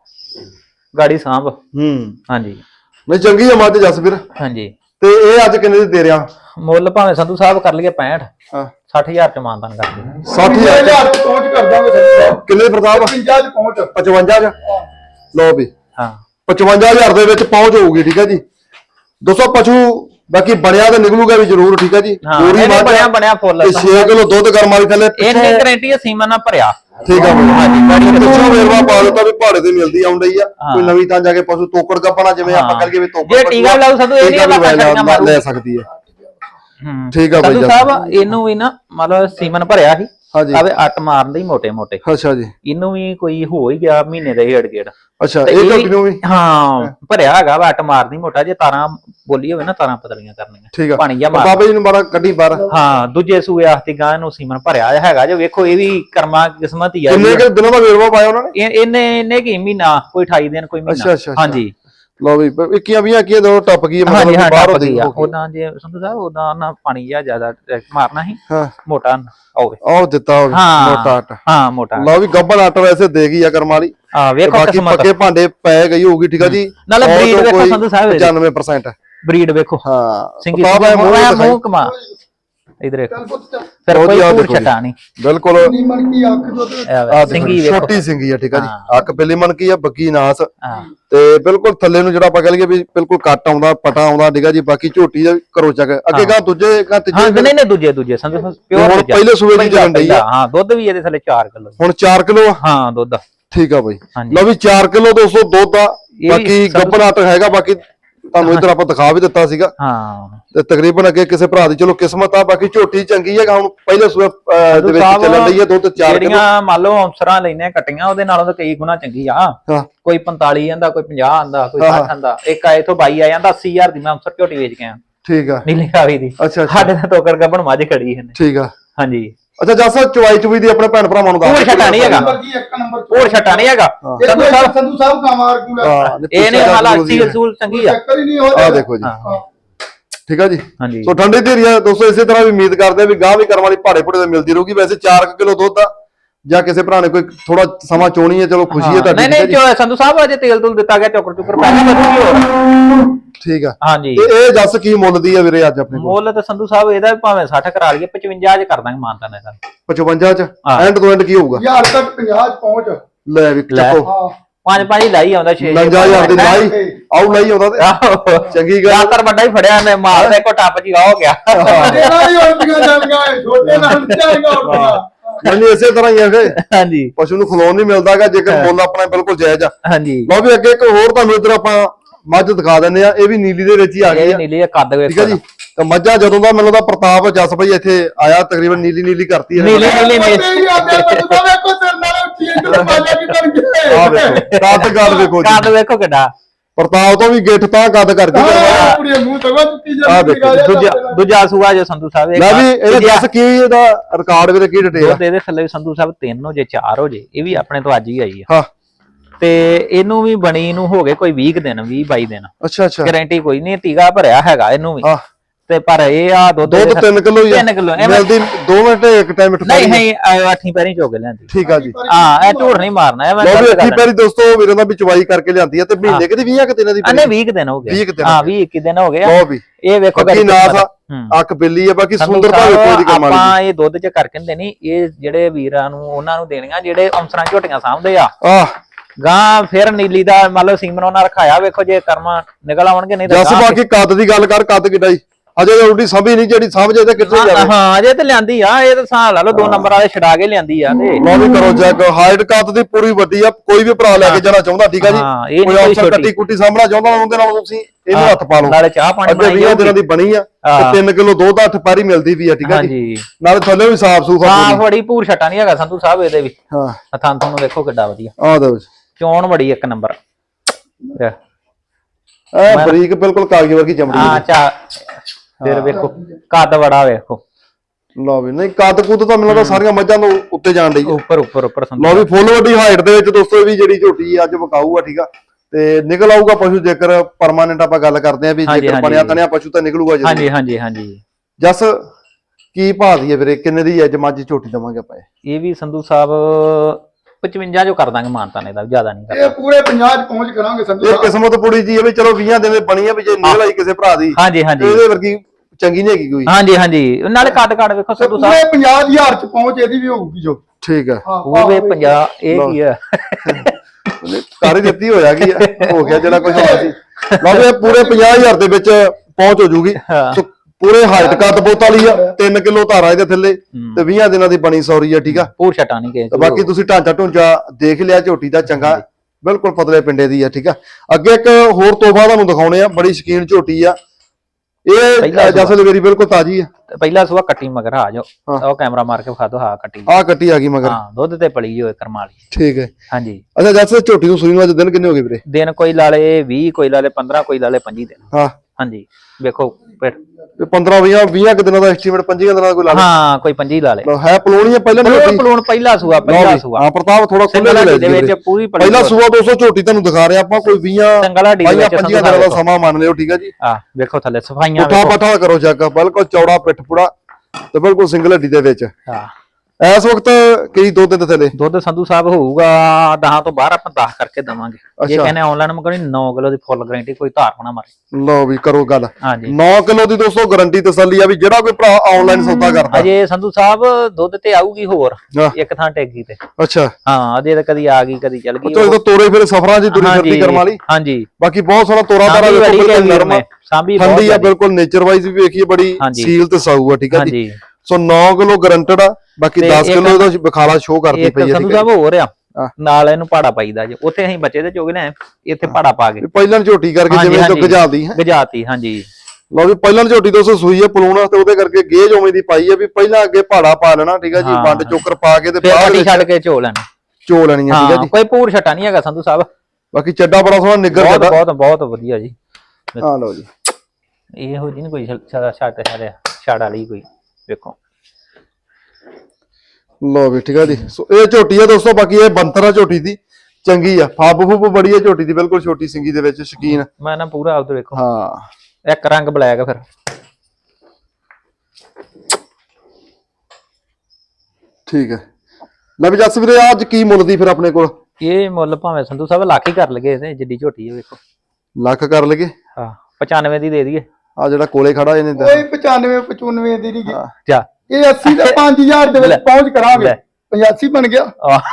B: ਗਾੜੀ ਸਾਂਭ
A: ਹੂੰ
B: ਹਾਂਜੀ
A: ਨਹੀਂ ਚੰਗੀ ਆ ਮੱਝ ਜਸ ਵੀਰ
B: ਹਾਂਜੀ
A: ਤੇ ਇਹ ਅੱਜ ਕਿੰਨੇ ਦੀ ਦੇ ਰਿਆ
B: ਮੁੱਲ ਭਾਵੇਂ ਸੰਧੂ ਸਾਹਿਬ ਕਰ ਲਈਏ 65
A: ਹਾਂ
B: 60000 ਚ ਮਾਨਦਾਨ ਕਰਦੇ
A: 60000
C: ਹਜ਼ਾਰ ਚ ਪਹੁੰਚ ਕਰ ਦਾਂਗੇ ਸਰ
A: ਕਿੰਨੇ ਦੀ ਪ੍ਰਤਾਪ
C: 50 ਚ ਪਹੁੰਚ
A: 55 ਚ ਲਓ ਵੀ
B: ਹਾਂ
A: 55000 ਦੇ ਵਿੱਚ ਪਹੁੰਚ ਹੋਊਗੀ ਠੀਕ ਹੈ ਜੀ ਦੋਸਤੋ ਪਸ਼ੂ ਬਾਕੀ ਬਣਿਆ ਤਾਂ ਨਿਕਲੂਗਾ ਵੀ ਜ਼ਰੂਰ ਠੀਕ ਹੈ ਜੀ
B: ਹਾਂ
A: ਪੂਰੀ
B: ਇਹਨੇ
A: ਮੱਝ ਆ,
B: ਬਣਿਆ ਫੁੱਲ
A: ਤੇ 6 ਕਿਲੋ ਦੁੱਧ ਕਰਮ ਵਾਲੀ ਥੱਲੇ
B: ਇਹਨੇ ਗਾਰੰਟੀ ਹੈ ਸੀਮਾ ਨਾਲ ਭਰਿਆ
A: ਠੀਕ ਆ
B: ਹਾਂਜੀ ਗਾੜੀ
A: ਪਿੱਛੋਂ ਵੇਰਵਾ ਪਾ ਦਿੱਤਾ ਵੀ ਪਹਾੜੇ ਤੇ ਮਿਲਦੀ ਆਉਣ ਡਈ ਆ
B: ਹਾਂ।
A: ਕੋਈ ਨਵੀਂ ਤਾਂ ਜਾ ਕੇ ਪਸ਼ੂ ਤੋਕੜ ਕੱਪਣਾ ਜਿਵੇਂ ਆਪਾਂ
B: ਹਾਂ।
A: ਕਰੀਏ ਵੀ ਤੋਕੜ
B: ਜੇ ਟੀਕਾ ਲਾਉ ਸੰਧੂ ਇਹ ਨਹੀਂ
A: ਟੀਕਾ ਵੀ
B: ਆਪਾਂ ਛੱਡੀਆਂ ਮਾਰੂ
A: ਲੈ ਸਕਦੀ ਹੈ
B: ਹੂੰ
A: ਠੀਕ ਆ ਬਾਈ
B: ਸੰਧੂ
A: ਜੀ
B: ਸਾਹਿਬ ਇਹਨੂੰ ਵੀ ਨਾ ਮਤਲਬ ਸੀਮਨ ਭਰਿਆ ਸੀ
A: ਹਾਂਜੀ
B: ਆਵੇ 8 ਮਾਰਨ ਦੇ ਮੋਟੇ
A: ਅੱਛਾ ਜੀ
B: ਇਹਨੂੰ ਵੀ ਕੋਈ ਹੋ ਹੀ ਗਿਆ ਮਹੀਨੇ ਦਾ ਢੇੜ ਗੇੜ
A: ਅੱਛਾ
B: ਤੇ
A: ਇਹ ਝੋਟੀ ਨੂੰ ਵੀ
B: ਹਾਂ ਭਰਿਆ ਹੈਗਾ ਵਾ 8 ਮਾਰਨੀ ਮੋਟਾ ਜੇ ਤਾਰਾਂ ਬੋਲੀ ਹੋਵੇ ਨਾ ਤਾਰਾਂ ਪਤਲੀਆਂ ਕਰਨੀਆਂ
A: ਠੀਕ ਆ
B: ਪਾਣੀ ਜਾਂ ਮਾਰ
A: ਬਾਬਾ ਜੀ ਨੂੰ ਬਾਰਾ ਕੱਢੀ ਬਾਹਰ
B: ਹਾਂ ਦੂਜੇ ਸੂਏ ਆਸਤੀ ਗਾਂ ਨੂੰ ਸੀਮਨ ਭਰਿਆ ਹੈਗਾ ਜੋ ਵੇਖੋ ਇਹ ਵੀ ਕਰਮਾ ਕਿਸਮਤ ਹੀ ਆ
A: ਕਿੰਨੇ ਕਿ ਦਿਨਾਂ ਦਾ ਵੇਰਵਾ ਪਾਇਆ ਉਹਨਾਂ ਨੇ
B: ਇਹਨੇ ਕੀ ਮਹੀਨਾ ਕੋਈ 28 ਦਿਨ ਕੋਈ ਮਹੀਨਾ
A: ਅੱਛਾ।
B: ਹਾਂਜੀ
A: ਲਓ ਵੀ 21 ਦੋ ਟੱਪ ਗਈ ਹੈ,
B: ਹਾਂਜੀ ਹਾਂ
A: ਬਾਹਰ
B: ਟੱਪ
A: ਹੋ
B: ਗਈ ਆ
A: ਗਈ
B: ਉਹਨਾਂ ਜੇ ਸੰਧੂ ਸਾਹਿਬ ਉਹਦਾ ਨਾ ਪਾਣੀ ਜਾਂ ਜ਼ਿਆਦਾ ਮਾਰਨਾ ਸੀ
A: ਹਾਂ
B: ਮੋਟਾ ਹੋਵੇ
A: ਆਹ ਦਿੱਤਾ ਉਹ ਵੀ,
B: ਹਾਂ
A: ਮੋਟਾ ਆਟਾ
B: ਹਾਂ ਮੋਟਾ
A: ਲਓ ਵੀ ਗੱਬਲ ਆਟਾ ਵੈਸੇ ਦੇ ਗਈ ਆ ਕਰਮ ਵਾਲੀ
B: ਹਾਂ ਵੇਖੋ
A: ਬਾਕੀ
B: ਕਿਸਮਤ
A: ਪੱਕੇ ਭਾਂਡੇ ਪੈ ਗਈ ਹੋਊਗੀ ਠੀਕ ਆ ਜੀ
B: ਨਾਲੇ
A: ਸੌ
B: breed
A: ਚੋਂ
B: ਵੇਖੋ
A: ਕੋਈ
B: ਸੰਧੂ ਸਾਹਿਬ ਇਹਦੀ।
A: 95%
B: ਬਰੀਡ ਵੇਖੋ
A: ਹਾਂ
B: ਸਿੰਗੀ
A: ਪ੍ਰਤਾਪ ਹੈ ਮੂੰਹ ਦਿਖਾਈ।
B: ਮੂੰਹ ਕਮਾ ਇਧਰ ਦੇਖੋ
C: ਚੱਲ ਪੁੱਤ ਚੱਲ
B: ਫਿਰ
A: ਉਹ ਜੀ
B: ਕੋਈ
A: ਆਹ
B: ਪੂਰ
A: ਦੇਖੋ ਜੀ।
B: ਛਟਾ ਨਹੀਂ
A: ਬਿਲਕੁਲ
C: ਨੀ ਮਨ ਕੀ ਅੱਖ ਦੁੱਧ
A: ਆਹ ਦੇਖੋ
B: ਸਿੰਗੀ
A: ਜੀ,
B: ਵੇਖੋ
A: ਛੋਟੀ ਸਿੰਗੀ ਆ ਠੀਕ ਆ ਜੀ
B: ਹਾਂ।
A: ਅੱਖ ਪਹਿਲੀ ਮਨ ਕੀ ਆ ਬੱਕੀ ਨਾਸ
B: ਹਾਂ
A: ਤੇ ਬਿਲਕੁਲ ਥੱਲੇ ਨੂੰ ਜਿਹੜਾ ਆਪਾਂ ਕਹ ਲਈਏ ਵੀ ਬਿਲਕੁਲ ਕੱਟ ਆਉਂਦਾ ਪਟਾ ਆਉਂਦਾ ਠੀਕ ਆ ਜੀ ਬਾਕੀ ਝੋਟੀ ਦਾ ਘਰੋਂ ਚੱਕ ਅੱਗੇ ਗਾ ਦੂਜੇ ਗਾ
B: ਹਾਂ
A: ਤੀਜੇ
B: ਨਹੀਂ ਦੂਜੇ ਸੰਧੂ
A: ਹੁਣ
B: ਪਿਓਰ
A: ਪਹਿਲੇ ਸੂਏ ਦੀ ਚੱਲਣ ਡਈ ਆ
B: ਹਾਂ ਦੁੱਧ ਵੀ ਇਹਦੇ ਥੱਲੇ 4 ਕਿਲੋ
A: ਹੁਣ 4 ਕਿਲੋ ਆ
B: ਹਾਂ ਦੁੱਧ
A: ਠੀਕ ਆ ਬਾਈ
B: ਹਾਂਜੀ।
A: ਲਓ ਵੀ 4 ਕਿਲੋ 200 ਦੁੱਧ ਆ
B: ਵੀ
A: ਬਾਕੀ
B: ਸਭ-
A: ਗੱਬਨ ਆਟਾ ਹੈਗਾ ਬਾਕੀ ਤੁਹਾਨੂੰ ਇੱਧਰ ਆਪਾਂ ਦਿਖਾ ਵੀ ਦਿੱਤਾ ਸੀਗਾ
B: ਹਾਂ
A: ਤੇ ਤਕਰੀਬਨ ਅੱਗੇ ਕਿਸੇ ਭਰਾ ਦੀ ਚਲੋ ਕਿਸਮਤ ਆ ਬਾਕੀ ਝੋਟੀ ਚੰਗੀ ਹੈ ਹੁਣ ਪਹਿਲੇ ਸੂਏ ਦੇ ਵਿੱਚ ਚੱਲਣ ਲਈ ਹੈ ਦੁੱਧ 4 ਕਿਲੋ
B: ਜਿਹੜੀਆਂ ਮੰਨ ਲਓ ਅਫਸਰਾਂ ਲੈਨੇ ਕੱਟੀਆਂ ਉਹਦੇ ਨਾਲੋਂ ਤਾਂ ਕਈ ਗੁਣਾ ਚੰਗੀ ਆ
A: ਹਾਂ
B: ਕੋਈ 45 ਆਂਦਾ ਕੋਈ 50 ਆਂਦਾ ਕੋਈ
A: ਹਾਂ।
B: 60 ਆਂਦਾ ਇੱਕ ਆਏ ਤੋਂ 22 ਆ ਜਾਂਦਾ 80000 ਦੀ ਮੈਂ ਅਫਸਰ ਝੋਟੀ ਵੇਚ ਕੇ ਆ
A: ਠੀਕ ਆ
B: ਨੀਲੀ ਕਾਵੀ ਦੀ
A: ਅੱਛਾ ਅੱਛਾ
B: ਸਾਡੇ ਦਾ ਟੋਕਰ ਗੱਬਣ ਮੱਝ ਖੜੀ ਹੈ
A: ਠੀਕ ਆ
B: ਹਾਂਜੀ
A: ਅੱਛਾ ਜੱਸਾ ਚੁਆਈ ਚੁਈ ਦੀ ਆਪਣੇ ਭੈਣ ਭਰਾਵਾਂ ਨੂੰ ਦੱਸ
B: ਹੋਰ ਛੱਟਾ ਨਹੀਂ ਹੈਗਾ।
C: ਨੰਬਰ ਕੀ ਇੱਕ ਨੰਬਰ
B: ਹੋਰ ਛੱਟਾ ਨਹੀਂ ਹੈਗਾ
C: ਸੰਧੂ ਸਾਹਿਬ ਸੰਧੂ ਸਾਹਿਬ ਦਾ ਮਾਰਕੂ ਹੈ
A: ਹਾਂ
B: ਇਹ ਨਹੀਂ ਹਾਲਾ ਅੱਸੀ ਰਸੂਲ ਚੰਗੀ ਆ
C: ਚੱਕਰ ਹੀ ਨਹੀਂ ਹੋ
A: ਆ ਦੇਖੋ ਜੀ
B: ਹਾਂ
A: ਠੀਕ ਆ ਜੀ
B: ਹਾਂਜੀ
A: ਸੋ ਠੰਡੀ ਧੀਰੀ ਆ ਦੋਸਤੋ ਇਸੇ ਤਰ੍ਹਾਂ ਵੀ ਉਮੀਦ ਕਰਦੇ ਆ ਵੀ ਗਾਂ ਵੀ ਕਰਮ ਵਾਲੀ ਭਾੜੇ ਭੁੜੇ ਤੇ ਮਿਲਦੀ ਰਹੂਗੀ ਵੈਸੇ 4 ਕਿਲੋ ਦੁੱਧ ਆ ਜਾਂ ਕਿਸੇ ਭਰਾ ਨੇ ਕੋਈ ਥੋੜਾ ਸਮਾਂ ਚੋਣੀ ਹੈ ਚਲੋ ਖੁਸ਼ੀ ਹੈ ਤੁਹਾਡੀ
B: ਨਹੀਂ ਨਹੀਂ ਜੋ ਸੰਧੂ ਸਾਹਿਬ ਅਜੇ ਤੇਲ ਤੁਲ ਦਿੱਤਾ ਗਿਆ ਚੋਕਰ ਚੁਕਰ ਪੈਸੇ ਵਧੂਗੀ ਹੋਰ
A: ਠੀਕ ਆ
B: ਹਾਂਜੀ
A: ਤੇ ਇਹ ਜੱਸ ਕੀ ਮੁੱਲ ਦੀ ਆ ਵੀਰੇ ਅੱਜ ਆਪਣੇ ਕੋਲ
B: ਮੁੱਲ ਤੇ ਸੰਧੂ ਸਾਹਿਬ ਇਹਦਾ ਵੀ ਭਾਵੇਂ 60 ਕਰਾ ਲਈਏ 55 ਚ ਕਰ ਦਾਂਗੇ ਮਾਨਤਾ ਨੇ ਸਰ
A: 55 ਚ
B: ਹਾਂ।
A: ਐਂਡ ਤੋਂ ਐਂਡ ਕੀ ਹੋਊਗਾ
C: ਯਾਰ ਤੱਕ 50 ਚ ਪਹੁੰਚ
A: ਲੈ ਵੀ
B: ਲੈ।
A: ਚੱਕੋ
C: ਹਾਂ
B: 5 ਲਾਈ ਆਉਂਦਾ 6
A: 5000 ਦੀ ਲਾਈ ਆਉ ਲਾਈ ਆਉਂਦਾ ਤੇ
B: ਆਹੋ
A: ਚੰਗੀ ਗੱਲ
B: ਜ਼ਿਆਦਾਤਰ ਵੱਡਾ ਹੀ ਫੜਿਆ ਨੇ ਮਾਲ ਦੇ ਕੋ ਟੱਪ ਜੀ ਹੋ ਗਿਆ
C: ਤੇਰਾ ਹੀ ਉਲਟੀਆਂ ਜਾਂਦੀਆਂ ਛੋਟੇ ਨਾਲ ਜਾਏਗਾ ਉਲਟੀਆਂ
A: ਮੈਨੂੰ ਇਸੇ ਤਰ੍ਹਾਂ ਹੀ ਆ ਫੇ
B: ਹਾਂਜੀ
A: ਪਸ਼ੂ ਨੂੰ ਖਲੋਣ ਨਹੀਂ ਮਿਲਦਾਗਾ ਜੇਕਰ ਮੁੱਲ ਆਪਣਾ ਬਿਲਕੁਲ ਜਾਇਜ਼ ਆ
B: ਹਾਂਜੀ
A: ਲਓ ਵੀ ਅੱਗੇ ਇੱਕ ਹੋਰ ਤੁਹਾਨੂੰ ਇੱਧਰ ਆਪਾਂ ਮੱਝ ਦਿਖਾ ਦਿੰਦੇ ਆ ਇਹ ਵੀ ਨੀਲੀ ਦੇ ਵਿੱਚ ਹੀ ਆ ਗਈ
B: ਇਹ
A: ਆ
B: ਨੀਲੀ ਦਾ ਕੱਦ
A: ਠੀਕ ਹੈ ਜੀ ਤਾਂ ਮੱਝਾਂ ਜਦੋਂ ਦਾ ਮੈਨੂੰ ਦਾ ਪ੍ਰਤਾਪ ਜਸ ਭਾਈ ਇੱਥੇ ਆਇਆ ਤਕਰੀਬਨ ਨੀਲੀ ਕਰਤੀ ਹੈ
B: ਨੀਲੀ ਨੀਲੀ ਮੇਸ
C: ਤੇਰੀ ਆਦੇ ਬੰਦਾ ਵੇਖੋ ਸਿਰ ਨਾਲ ਉੱਚੀ ਇੱਧਰ ਬਾਜਾ ਕੀ ਕਰ
A: ਆ
C: ਗਏ
A: ਵੇਖੋ ਕੱਦ ਗੱਲ ਵੇਖੋ ਜੀ
B: ਕੱਦ ਵੇਖੋ ਕਿੱਡਾ
A: ਪ੍ਰਤਾਪ ਤੋਂ ਵੀ ਗਿੱਠ ਤਾਂ ਕੱਦ ਕਰਕੇ ਕਰਵਾਇਆ
C: ਕੁੜੀ ਮੂੰਹ ਤਵਾ ਚੁੱਕੀ
A: ਆਹ
C: ਜਾਂਦੀ
A: ਦੇਖੋ,
B: ਦੂਜਾ ਸੂਆ ਜੇ ਸੰਧੂ ਸਾਹਿਬ
A: ਲੈ ਵੀ ਇਹਦੇ ਦੱਸ ਕੀ ਇਹਦਾ ਰਿਕਾਰਡ ਵੀਰੇ ਕੀ ਡਿਟੇਲ ਆ?
B: ਦੁੱਧ ਇਹਦੇ ਥੱਲੇ ਸੰਧੂ ਸਾਹਿਬ 3 ਹੋ ਜੇ 4 ਹੋ ਜੇ, ਇਹ ਵੀ ਆਪਣੇ ਤੋਂ ਅੱਜ ਹੀ ਆਈ ਆ
A: ਹਾਂ
B: ਤੇ ਇਹਨੂੰ ਵੀ ਬਣੀ ਨੂੰ ਹੋ ਗਏ ਕੋਈ 20 ਦਿਨ 20-22 ਦਿਨ,
A: ਅੱਛਾ ਅੱਛਾ
B: ਗਾਰੰਟੀ ਕੋਈ ਨਹੀਂ, ਟੀਕਾ ਭਰਿਆ ਹੈਗਾ ਇਹਨੂੰ ਵੀ
A: ਹਾਂ
B: ਤੇ ਪਰ ਇਹ ਆ ਦੁੱਧ
A: 3 ਕਿਲੋ ਹੀ ਆ
B: 3 ਕਿਲੋ
A: ਮਿਲਦੀ 2 ਮਿੰਟ ਇੱਕ ਟਾਈਮ ਮਿੱਠ
B: ਨਹੀਂ ਨਹੀਂ 8 ਪੈਰੀ ਚੋਗ ਲੈਂਦੀ।
A: ਠੀਕ ਆ ਜੀ।
B: ਹਾਂ ਇਹ ਝੂਠ ਨਹੀਂ ਮਾਰਨਾ ਇਹ ਮੈਂ
A: ਲੋ ਵੀ
B: ਗੱਲ
A: ਅੱਠੀ
B: ਕਰਦਾ।
A: ਪੈਰੀ ਦੋਸਤੋ ਵੀਰਾਂ ਦਾ ਵੀ ਚਵਾਈ ਕਰਕੇ ਲਿਆਂਦੀ ਆ ਤੇ ਮਹੀਨੇ ਕਿ 20 ਕਿ ਦਿਨਾਂ ਦੀ
B: ਅਨੇ 20 ਦਿਨ ਹੋ ਗਏ
A: 20 ਦਿਨ
B: ਹਾਂ 20 ਦਿਨ ਹੋ ਗਏ ਆ।
A: ਲੋ ਵੀ
B: ਇਹ ਵੇਖੋ
A: ਬਾਕੀ ਨਾਸ ਆ
B: ਹੂੰ।
A: ਅੱਖ ਬਿੱਲੀ ਆ ਬਾਕੀ
B: ਸੰਧੂ
A: ਸੁੰਦਰਤਾ
B: ਸਾਹਿਬ,
A: ਵੇਖੋ ਦੀ ਕਮਾਲ ਦੀ
B: ਆਪਾਂ ਇਹ ਦੁੱਧ ਚ ਕਰਕੇ ਨੀ ਦੇਣੀ, ਇਹ ਜਿਹੜੇ ਵੀਰਾਂ ਨੂੰ ਉਹਨਾਂ ਨੂੰ ਦੇਣੀਆਂ ਜਿਹੜੇ ਅਮਸਰਾਂ ਝੋਟੀਆਂ ਸਾਂਭਦੇ ਆ
A: ਆਹ
B: ਗਾਂ ਫਿਰ ਨੀਲੀ ਦਾ ਮੰਨ ਲਓ ਸੀਮਨ ਉਹਨਾਂ ਰਖਾਇਆ, ਵੇਖੋ ਜੇ ਕਰਮਾ ਨਿਕਲ ਆਉਣਗੇ ਨਹੀਂ ਤਾਂ
A: ਜੱਸ ਬਾਕੀ ਕੱਦ ਦੀ ਗੱਲ ਕਰ ਕੱਦ ਕਿੱਡਾ ਜੀ ਅਜੇ ਉਲਟੀ ਸਮਝ ਨਹੀਂ ਜਿਹੜੀ ਸਮਝੇ ਤੇ ਕਿੱਥੇ ਜਾਵੇ
B: ਹਾਂ ਅਜੇ ਤੇ ਲਿਆਂਦੀ ਆ, ਇਹ ਤਾਂ ਹਿਸਾਬ ਲਾ ਲਓ 2 ਨੰਬਰ ਵਾਲੇ ਛਡਾ ਕੇ ਲਿਆਂਦੀ ਆ ਤੇ
A: ਲੋ ਵੀ ਕਰੋ ਚੈੱਕ ਹਾਈਟ ਕੱਦ ਦੀ ਪੂਰੀ ਵੱਡੀ ਆ ਕੋਈ ਵੀ ਭਰਾ ਲੈ ਕੇ ਜਾਣਾ ਚਾਹੁੰਦਾ ਠੀਕ ਆ ਜੀ
B: ਹਾਂ, ਇਹ ਨੀ
A: ਕੋਈ
B: ਕੋਈ
A: ਅਫਸਰ
B: ਛੋਟੀ।
A: ਕੱਟੀ ਕੁੱਟੀ ਸਾਹਮਣਾ ਚਾਹੁੰਦਾ ਉਹਦੇ ਨਾਲ ਤੁਸੀਂ ਇਹਨੂੰ ਹੱਥ ਪਾ ਲਓ
B: ਨਾਲੇ ਚਾਹ ਪਾਣੀ
A: ਅੱਗੇ 20 ਦਿਨਾਂ ਦੀ ਬਣੀ ਆ ਤੇ 3 ਕਿਲੋ ਦੁੱਧ 8 ਪੈਰੀ ਮਿਲਦੀ ਵੀ ਆ ਠੀਕ ਆ ਜੀ
B: ਹਾਂਜੀ
A: ਨਾਲੇ ਥੱਲੇ ਵੀ ਸਾਫ ਸੂਫਾ
B: ਹਾਂ ਬੜੀ ਭੂਰ ਛਟਾ ਨਹੀਂ ਹੈਗਾ ਸੰਧੂ ਸਾਹਿਬ ਇਹਦੇ ਵੀ,
A: ਹਾਂ
B: ਥਾਂ ਤੁਹਾਨੂੰ ਦੇਖੋ ਕਿੱਡਾ ਵਧੀਆ
A: ਆ ਦੋ
B: ਚੋਣ ਬੜੀ 1 ਨੰਬਰ
A: ਐ ਬਰੀਕ ਬਿਲਕੁਲ ਕਾਗਜ਼ ਵਰਗੀ ਚਮੜੀ
B: ਹਾਂ ਚਾ ਫਿਰ ਵੇਖੋ ਕੱਦ ਬੜਾ ਵੇਖੋ
A: ਲਓ ਵੀ ਨਹੀਂ ਕੱਦ ਕੁੱਦ ਤਾਂ ਮੈਨੂੰ ਲੱਗਦਾ ਸਾਰੀਆਂ ਮੱਝਾਂ ਤੋਂ ਉੱਤੇ ਜਾਣ ਡਈ
B: ਉੱਪਰ ਸੰਧੂ
A: ਲਓ ਵੀ ਫੁੱਲ ਵੱਡੀ ਹਾਈਟ ਦੇ ਵਿੱਚ ਦੋਸਤੋ ਇਹ ਵੀ ਜਿਹੜੀ ਝੋਟੀ ਅੱਜ ਵਿਕਾਊ ਆ ਠੀਕ ਆ ਤੇ ਨਿਕਲ ਆਊਗਾ ਪਸ਼ੂ ਜੇਕਰ ਪਰਮਾਨੈਂਟ ਆਪਾਂ ਗੱਲ ਕਰਦੇ ਆ ਵੀ ਜੇਕਰ ਬਣਿਆ ਤਣਿਆ ਪਸ਼ੂ ਤਾਂ ਨਿਕਲੂਗਾ ਜੀ
B: ਹਾਂਜੀ
A: ਜਸ ਕੀ ਭਾਅ ਦੀ ਹੈ ਵੀਰੇ ਕਿੰਨੇ ਦੀ ਅੱਜ ਮੱਝ ਝੋਟੀ ਦਵਾਂਗੇ ਆਪਾਂ
B: ਇਹ ਵੀ ਸੰਧੂ ਸਾਹਿਬ 55 ਜੋ ਕਰ ਦਾਂਗੇ ਮਾਨਤਾ ਨੇ ਦਾ ਜ਼ਿਆਦਾ ਨਹੀਂ
C: ਇਹ ਪੂਰੇ 50 ਚ ਪਹੁੰਚ ਕਰਾਂਗੇ ਸੰਧੂ
A: ਇਹ ਕਿਸਮਤ ਪੁੜੀ ਜੀ ਹੈ ਵੀ ਚਲੋ 20 ਦਿਨ ਦੀ ਬਣੀ ਆ ਵੀ ਜੇ ਨਿਕਲ ਆਈ ਕਿਸੇ ਭਰਾ ਦੀ
B: ਹਾਂਜੀ
A: ਇਹਦੇ ਵਰਗੀ ਚੰਗੀ ਨਹੀਂ ਹੈਗੀ ਕੋਈ
B: ਹਾਂਜੀ ਨਾਲੇ ਕੱਦ ਵੇਖੋ ਸੰਧੂ ਸਾਹਿਬ
C: ਪੂਰੇ 50000 ਚ ਪਹੁੰਚ ਇਹਦੀ ਵੀ ਹੋਊਗੀ ਜੋ
A: ਠੀਕ ਆ
B: ਉਹ 50 ਇਹ ਕੀ ਆ
A: ਕਰ ਹੀ ਦਿੱਤੀ ਹੋਇਆ ਕੀ ਆ ਹੋ ਗਿਆ ਜਿਹੜਾ ਕੁਝ ਹੋਣਾ ਸੀ ਲਓ ਵੀ ਇਹ ਪੂਰੇ 50000 ਦੇ ਵਿੱਚ ਪਹੁੰਚ ਹੋ ਜੂਗੀ ਸੋ ਪੂਰੇ ਹਾਈਟ ਕੱਦ ਬੋਤ ਵਾਲੀ ਆ 3 ਕਿਲੋ ਧਾਰਾ ਇਹਦੇ ਥੱਲੇ ਤੇ 20 ਦਿਨਾਂ ਦੀ ਬਣੀ ਸੌਰੀ ਆ ਠੀਕ ਆ
B: ਪੂਰ ਛਟਾ ਨਹੀਂ ਗਏ
A: ਤੇ ਬਾਕੀ ਤੁਸੀਂ ਢਾਂਚਾ ਢੁੰਚਾ ਦੇਖ ਲਿਆ ਝੋਟੀ ਦਾ ਚੰਗਾ ਬਿਲਕੁਲ ਪਤਲੇ ਪਿੰਡੇ ਦੀ ਆ ਠੀਕ ਆ ਅੱਗੇ ਇੱਕ ਹੋਰ ਤੋਹਫਾ ਤੁਹਾਨੂੰ ਦਿਖਾਉਣੇ ਆ ਬੜੀ ਸ਼ਕੀਨ ਝੋਟੀ ਆ ਇਹ ਜਸਲ ਮੇਰੀ ਬਿਲਕੁਲ ਤਾਜੀ ਆ
B: ਪਹਿਲਾ ਸੁਆ ਕੱਟੀ ਮਗਰ ਆ ਜਾਓ ਉਹ ਕੈਮਰਾ ਮਾਰ ਕੇ ਵਿਖਾ ਦੋ ਹਾਂ ਕੱਟੀ
A: ਆ ਕੱਟੀ ਆ ਗਈ ਮਗਰ
B: ਹਾਂ ਦੁੱਧ ਤੇ ਪਲੀ ਹੋਏ ਕਰਮਾਲੀ
A: ਠੀਕ ਹੈ
B: ਹਾਂਜੀ
A: ਅੱਛਾ ਜਸਲ ਝੋਟੀ ਨੂੰ ਸੂਈ ਨੂੰ ਅੱਜ ਦਿਨ ਕਿੰਨੇ ਹੋ ਗਏ ਵੀਰੇ
B: ਦਿਨ ਕੋਈ ਲਾਲੇ 20 ਕੋਈ ਲਾਲੇ 15 ਕੋਈ ਲਾਲੇ 25 ਦਿਨ
A: ਹਾਂ
B: ਹਾਂਜੀ ਵੇਖੋ ਫਿਰ
A: ਤੇ 15 20 ਕਿ ਦਿਨਾਂ ਦਾ ਐਸਟੀਮੇਟ 25 ਦਿਨਾਂ ਦਾ ਕੋਈ ਲਾ
B: ਹਾਂ ਕੋਈ 25 ਲਾਲੇ
A: ਹੈ ਪਲੋਣੀ ਪਹਿਲਾਂ
B: ਪਲੋਣ ਪਹਿਲਾ ਸੂਆ
A: ਹਾਂ ਪ੍ਰਤਾਪ ਥੋੜਾ ਖੁੱਲੇ
B: ਦੇ ਵਿੱਚ ਪੂਰੀ
A: ਪਹਿਲਾ ਸੂਆ 200 ਝੋਟੀ ਤੁਹਾਨੂੰ ਦਿਖਾ ਰਹੇ ਆਪਾਂ ਕੋਈ 20
B: ਸੰਗਲਾ ਡੀ ਵਿੱਚ
A: 25 ਦਿਨਾਂ ਦਾ ਸਮਾਂ ਮੰਨ ਲਿਓ ਠੀਕ ਆ ਜੀ
B: ਵੇਖੋ ਥੱਲੇ ਸਫਾਈਆਂ
A: ਪੁੱਠਾ ਪੱਠਾ ਕਰੋ ਚੈੱਕ ਬਿਲਕੁਲ ਚੌੜਾ ਪਿੱਠ ਪੁੜਾ ਤੇ ਬਿਲਕੁਲ ਸਿੰਗਲ ਹੱਡੀ ਦੇ ਵਿੱਚ
B: ਹਾਂ
A: ਇਸ ਵਕਤ ਕਈ ਦੋ ਦਿਨ ਥੱਲੇ
B: ਦੁੱਧ ਸੰਧੂ ਸਾਹਿਬ ਹੋਊਗਾ 10 ਤੋਂ ਬਾਹਰ ਆਪਾਂ 10 ਕਰਕੇ ਦਵਾਂਗੇ ਜੇ ਕਹਿੰਦੇ ਆਨਲਾਈਨ ਮੰਗਣੀ 9 ਕਿਲੋ ਦੀ ਫੁੱਲ ਗਾਰੰਟੀ ਕੋਈ ਧਾਰ ਨਾ ਮਾਰੇ
A: ਲਓ ਵੀ ਕਰੋ ਗੱਲ
B: ਹਾਂਜੀ
A: 9 ਕਿਲੋ ਦੀ ਦੋਸਤੋ ਗਾਰੰਟੀ ਤਸੱਲੀ ਆ ਵੀ ਜਿਹੜਾ ਕੋਈ ਭਰਾ ਆਨਲਾਈਨ ਸੌਦਾ ਕਰਦਾ
B: ਅਜੇ ਸੰਧੂ ਸਾਹਿਬ ਦੁੱਧ ਤੇ ਆਊਗੀ ਹੋਰ ਇੱਕ ਥਾਂ ਟੇਗੀ ਤੇ
A: ਅੱਛਾ
B: ਹਾਂ ਅਜੇ ਤਾਂ ਕਦੀ ਆ ਗਈ ਕਦੀ ਚਲ ਗਈ
A: ਚਲੋ ਇਹ ਤਾਂ ਤੋਰੇ ਫਿਰ ਸਫਰਾਂ ਦੀ ਤੁਰੀ ਫਿਰਦੀ ਕਰਮ ਵਾਲੀ
B: ਹਾਂਜੀ
A: ਬਾਕੀ ਬਹੁਤ ਸੋਹਣਾ ਤੋਰਾ ਤਾਰਾ ਵੇਖੋ ਬਿਲਕੁਲ ਨਰਮ
B: ਸਾਂਭੀ
A: ਠੰਡੀ ਆ ਬਿਲਕੁਲ ਨੇਚਰ ਵਾਈਜ਼ ਵੀ ਵੇਖੀਏ ਬੜੀ ਸੀਲ ਤੇ ਸਾਊ ਆ ਠੀਕ ਆ ਜੀ ਸੋ 9 ਕਿਲੋ ਗਾਰੰਟਡ ਆ ਬਾਕੀ 10 ਕਿਲੋ ਦਾ ਬਖਾਲਾ ਸ਼ੋ ਕਰਦੀ ਪਈ ਹੈ
B: ਸੰਧੂ ਸਾਹਿਬ ਹੋ ਰਿਹਾ ਨਾਲ ਇਹਨੂੰ ਪਾੜਾ ਪਾਈਦਾ ਜੇ ਉੱਥੇ ਅਸੀਂ ਬੱਚੇ ਦੇ ਚੁਗ ਲੈ ਇੱਥੇ ਪਾੜਾ ਪਾ ਕੇ
A: ਪਹਿਲਾਂ ਝੋਟੀ ਕਰਕੇ ਜਿਵੇਂ ਜੋ ਗਜਾਲਦੀ ਹੈ
B: ਗਜਾਤੀ ਹਾਂਜੀ
A: ਲਓ ਵੀ ਪਹਿਲਾਂ ਝੋਟੀ 200 ਸੂਈ ਹੈ ਪਲੂਣਾ ਤੇ ਉਹਦੇ ਕਰਕੇ ਗੇਜ ਉਵੇਂ ਦੀ ਪਾਈ ਹੈ ਵੀ ਪਹਿਲਾਂ ਅੱਗੇ ਪਾੜਾ ਪਾ ਲੈਣਾ ਠੀਕ ਹੈ ਜੀ ਵੰਡ ਚੋਕਰ ਪਾ ਕੇ ਤੇ
B: ਬਾਅਦ ਛੱਡ ਕੇ ਚੋ ਲੈਣਾ
A: ਚੋ ਲੈਣੀ ਹੈ ਠੀਕ ਹੈ ਜੀ
B: ਕੋਈ ਪੂਰ ਛਟਾ ਨਹੀਂ ਹੈਗਾ ਸੰਧੂ ਸਾਹਿਬ
A: ਬਾਕੀ ਚੱਡਾ ਬੜਾ ਸੋਹਣਾ ਨਿੱਗਰ
B: ਬਹੁਤ ਬਹੁਤ ਵਧੀਆ ਜੀ
A: ਹਾਂ ਲਓ ਜੀ
B: ਇਹੋ ਜੀ ਨਹੀਂ ਕੋਈ ਛੜ ਵਾਲੀ ਕੋਈ ਵੇਖੋ
A: ਲੋ ਵੀ ਠੀਕ ਆ ਜੀ ਸੋ ਇਹ ਝੋਟੀ ਆ ਦੋਸਤੋ ਬਾਕੀ ਇਹ ਬੰਤਰਾ ਝੋਟੀ ਦੀ ਚੰਗੀ ਆ ਫੱਬ ਫੁੱਬ ਬੜੀ ਆ ਝੋਟੀ ਦੀ ਬਿਲਕੁਲ ਛੋਟੀ ਸਿੰਗੀ ਦੇ ਵਿੱਚ ਸ਼ਕੀਨ
B: ਮੈਂ ਨਾ ਪੂਰਾ ਆਪ ਤੇ ਵੇਖੋ
A: ਹਾਂ
B: ਇੱਕ ਰੰਗ ਬਲੈਕ ਆ ਫਿਰ
A: ਠੀਕ ਹੈ ਲੈ ਵੀ ਜੱਸ ਵੀਰੇ ਅੱਜ ਕੀ ਮੁੱਲ ਦੀ ਫਿਰ ਆਪਣੇ ਕੋਲ
B: ਇਹ ਮੁੱਲ ਭਾਵੇਂ ਸੰਧੂ ਸਾਹਿਬ ਲੱਖ ਹੀ ਕਰ ਲਗੇ ਤੇ ਜਿੱਡੀ ਝੋਟੀ ਆ ਵੇਖੋ
A: ਲੱਖ ਕਰ ਲਗੇ
B: ਹਾਂ 95 ਦੀ ਦੇ ਦਈਏ
A: ਆ ਜਿਹੜਾ ਕੋਲੇ ਖੜਾ ਇਹਨੇ
C: ਕੋਈ 95 95 ਦੀ ਨਹੀਂ
B: ਜਾ
C: ਇਹ 80 ਤੇ 5000 ਦੇ ਵਿੱਚ ਪਹੁੰਚ ਕਰਾਂਗੇ 85 ਬਣ ਗਿਆ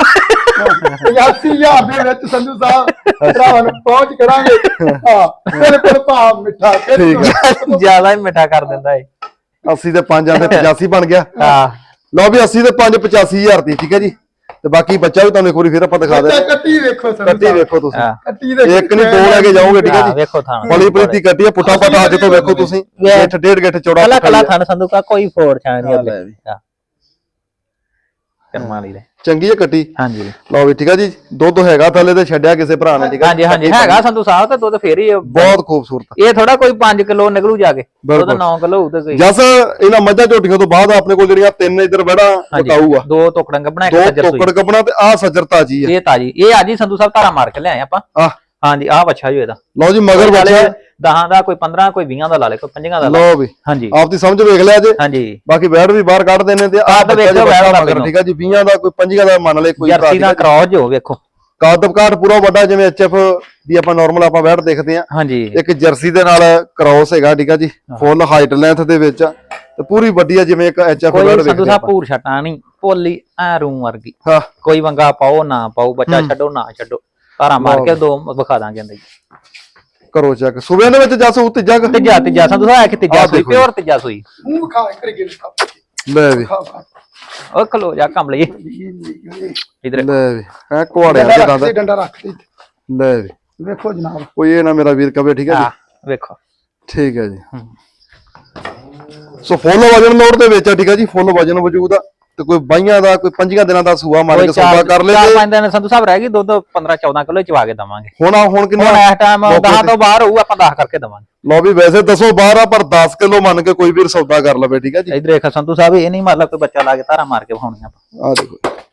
C: 85000 ਦੇ ਵਿੱਚ ਸੰਧੂ ਸਾਹਿਬ ਭਰਾਵਾਂ ਨੂੰ ਪਹੁੰਚ ਕਰਾਂਗੇ ਹਾਂ ਬਿਲਕੁਲ ਭਾਵ ਮਿੱਠਾ
B: ਜਿਆਦਾ ਹੀ ਮਿੱਠਾ ਕਰ ਦਿੰਦਾ ਏ
A: 80 ਤੇ 5 ਆਂਦੇ 85 ਬਣ ਗਿਆ
B: ਹਾਂ
A: ਲਓ ਵੀ 80 ਤੇ 5 85000 ਦੀ ਠੀਕ ਹੈ ਜੀ ਤੇ ਬਾਕੀ ਬੱਚਾ ਵੀ ਤੁਹਾਨੂੰ ਇੱਕ ਵਾਰੀ ਫਿਰ ਆਪਾਂ ਦਿਖਾ ਦੇ
C: ਕੱਟੀ ਵੇਖੋ
A: ਕੱਟੀ ਵੇਖੋ ਤੁਸੀਂ
C: ਕੱਟੀ ਦੇ
A: ਇੱਕ ਨਹੀਂ ਦੋ ਲੈ ਕੇ ਜਾਓਗੇ ਠੀਕ ਹੈ ਜੀ
B: ਵੇਖੋ ਥਾਂ
A: ਬੜੀ ਪ੍ਰੀਤੀ ਕੱਟੀ ਆ ਪੁੱਠਾ ਪੱਠਾ ਅੱਜ ਤੋਂ ਵੇਖੋ ਤੁਸੀਂ ਗਿੱਠ ਡੇਢ ਗਿੱਠ ਚੌੜਾ
B: ਕਲਾ ਥਾਂ ਸੰਧੂ ਕਾ ਕੋਈ ਫੋੜ ਛਾਂ ਨਹੀਂ ਅੱਗੇ ਕਰਮਾਂ ਲਈ
A: ਚੰਗੀ ਹੈ ਕੱਟੀ।
B: ਹਾਂਜੀ
A: ਲਓ ਵੀ ਠੀਕ ਆ ਜੀ, ਦੁੱਧ ਹੈਗਾ ਥੱਲੇ ਤੇ ਛੱਡਿਆ ਕਿਸੇ ਭਰਾ ਨੇ, ਠੀਕ ਆ।
B: ਹਾਂਜੀ ਹਾਂਜੀ ਹੈਗਾ ਸੰਧੂ ਸਾਹਿਬ, ਤੇ ਦੁੱਧ ਫੇਰ ਹੀ
A: ਬਹੁਤ ਖੂਬਸੂਰਤ।
B: ਇਹ ਥੋੜਾ ਕੋਈ 5 ਕਿਲੋ ਨਿਕਲੂ ਜਾ ਕੇ, ਉਹਦਾ 9 ਕਿਲੋ ਹੋਊ ਤੇ ਕੋਈ।
A: ਜਸ ਇਹਨਾਂ ਮੱਝਾਂ ਝੋਟੀਆਂ ਤੋਂ ਬਾਅਦ ਆਪਣੇ ਕੋਲ ਜਿਹੜੀਆਂ 3 ਇਧਰ ਵੜਾ ਬਕਾਊ ਆ,
B: 2 ਟੋਕੜਾਂ ਗੱਬਣਾ,
A: 2 ਟੋਕੜ ਗੱਬਣਾ ਤੇ ਆ ਸੱਜਰ ਤਾਜੀ ਆ।
B: ਇਹ ਤਾਜੀ, ਇਹ ਅੱਜ ਹੀ ਸੰਧੂ ਸਾਹਿਬ ਧਾਰਾ ਮਾਰ ਕੇ ਲਿਆਏ ਆਪਾਂ। ਹਾਂਜੀ ਆਹ ਬੱਚਾ ਜੋ ਇਹਦਾ।
A: ਲਓ ਜੀ ਮਗਰ ਬੱਚਾ
B: 10 ਦਾ, ਕੋਈ 15, ਕੋਈ 20 ਦਾ ਲਾ ਲੇ, ਕੋਈ 5 ਦਾ ਲਾ।
A: ਲਓ ਵੀ
B: ਹਾਂਜੀ
A: ਆਪ ਦੀ ਸਮਝ ਵੇਖ ਲਿਆ ਜੇ।
B: ਹਾਂਜੀ
A: ਬਾਕੀ ਬੈਡ ਵੀ ਬਾਹਰ ਕੱਢ ਦੇਣੇ ਤੇ ਆਹ
B: ਵੇਖੋ
A: ਮਗਰ, ਠੀਕ ਆ ਜੀ। 20 ਦਾ ਕੋਈ 5 ਦਾ ਮੰਨ ਲੈ, ਕੋਈ
B: ਜਰਸੀ ਦਾ ਕ੍ਰੋਸ ਹੋ ਵੇਖੋ,
A: ਕਾਦਬਕਾਟ ਪੂਰਾ ਵੱਡਾ, ਜਿਵੇਂ ਐਚਐਫ ਦੀ ਆਪਾਂ ਨਾਰਮਲ ਆਪਾਂ ਬੈਡ ਦੇਖਦੇ ਆ।
B: ਹਾਂਜੀ
A: ਇੱਕ ਜਰਸੀ ਦੇ ਨਾਲ ਕ੍ਰੋਸ ਹੈਗਾ, ਠੀਕ ਆ ਜੀ। ਫੁੱਲ ਹਾਈਟ ਲੈਂਥ ਦੇ ਵਿੱਚ ਤੇ ਪੂਰੀ ਵੱਡੀ ਆ, ਜਿਵੇਂ ਇੱਕ ਐਚਐਫ ਬੈਡ ਵੇਖਦੇ
B: ਸੰਧੂ ਸਾਹਿਬ ਭੂਰ ਛਟਾ ਨਹੀਂ, ਪੋਲੀ ਐ ਰੂਮ ਵਰਗੀ।
A: ਹਾਂ
B: ਕੋਈ ਵੰਗਾ ਪਾਓ ਨਾ ਪਾਓ, ਬੱਚਾ ਛੱਡੋ ਨਾ ਛੱਡੋ, ਧਾਰਾ ਮਾਰ ਕੇ 2 ਵਿਖਾ ਦਾਂਗੇ ਅੰਦਰ ਜੀ।
A: ਕਰੋ ਚੈੱਕ ਸੁਬਿਆਂ ਦੇ ਵਿੱਚ ਜਸ ਉਹ ਤੀਜਾ
B: ਤੀਜਾ ਸੰਧੂ ਸਾਹਿਬ, ਇੱਕ ਤੀਜਾ ਸੂਈ, ਪਿਓਰ ਤੀਜਾ ਸੂਈ।
C: ਮੂੰਹ ਖਾ ਕਰ ਗਿਲ ਖਾ।
A: ਲੈ ਵੀ
B: ਉਹ ਖਲੋ ਜਾ ਕੰਮ ਲਈ ਇਧਰ।
A: ਲੈ ਵੀ ਹੈ ਕੁਆੜਿਆਂ ਦੇ ਦੰਦ,
C: ਡੰਡਾ ਰੱਖ ਦੇ।
A: ਲੈ ਵੀ
C: ਵੇਖੋ ਜਨਾਬ,
A: ਕੋਈ ਇਹ ਨਾ ਮੇਰਾ ਵੀਰ ਕਵੇ, ਠੀਕ ਹੈ ਜੀ।
B: ਵੇਖੋ
A: ਠੀਕ ਹੈ ਜੀ। ਸੋ ਫੁੱਲ ਵਜਨ ਲੋਡ ਦੇ ਵਿੱਚ ਆ, ਠੀਕ ਹੈ ਜੀ। ਫੁੱਲ ਵਜਨ ਵਜੂਦ ਆ ਤੇ ਕੋਈ 22 ਦਾ, ਕੋਈ 5 ਦਿਨਾਂ ਦਾ ਸੂਆ ਮਾਰ ਕੇ ਸੌਦਾ ਕਰ ਲੈ।
B: 4-5 ਦਿਨ ਸੰਧੂ ਸਾਹਿਬ ਰਹਿ ਗਈ, ਦੁੱਧ 15-14 ਕਿਲੋ ਚਵਾ ਕੇ ਦਵਾਂਗੇ।
A: ਹੁਣ ਕਿੰਨਾ
B: ਇਸ ਟਾਈਮ 10 ਤੋਂ ਬਾਹਰ ਹੋਊ, ਆਪਾਂ 10 ਕਰਕੇ ਦਵਾਂਗੇ।
A: ਲਓ ਵੀ ਵੈਸੇ 10-12 ਪਰ 10 ਕਿਲੋ ਮੰਨ ਕੇ ਕੋਈ ਵੀਰ ਸੌਦਾ ਕਰ ਲਵੇ, ਠੀਕ ਹੈ ਜੀ।
B: ਇਧਰ ਦੇਖ ਸੰਧੂ ਸਾਹਿਬ, ਇਹ ਨਹੀਂ ਮਤਲਬ ਕੋਈ ਬੱਚਾ ਲਾ ਕੇ ਧਾਰਾ ਮਾਰ ਕੇ ਵਿਖਾਉਣੀ ਆਪਾਂ।
A: ਆ ਦੇਖੋ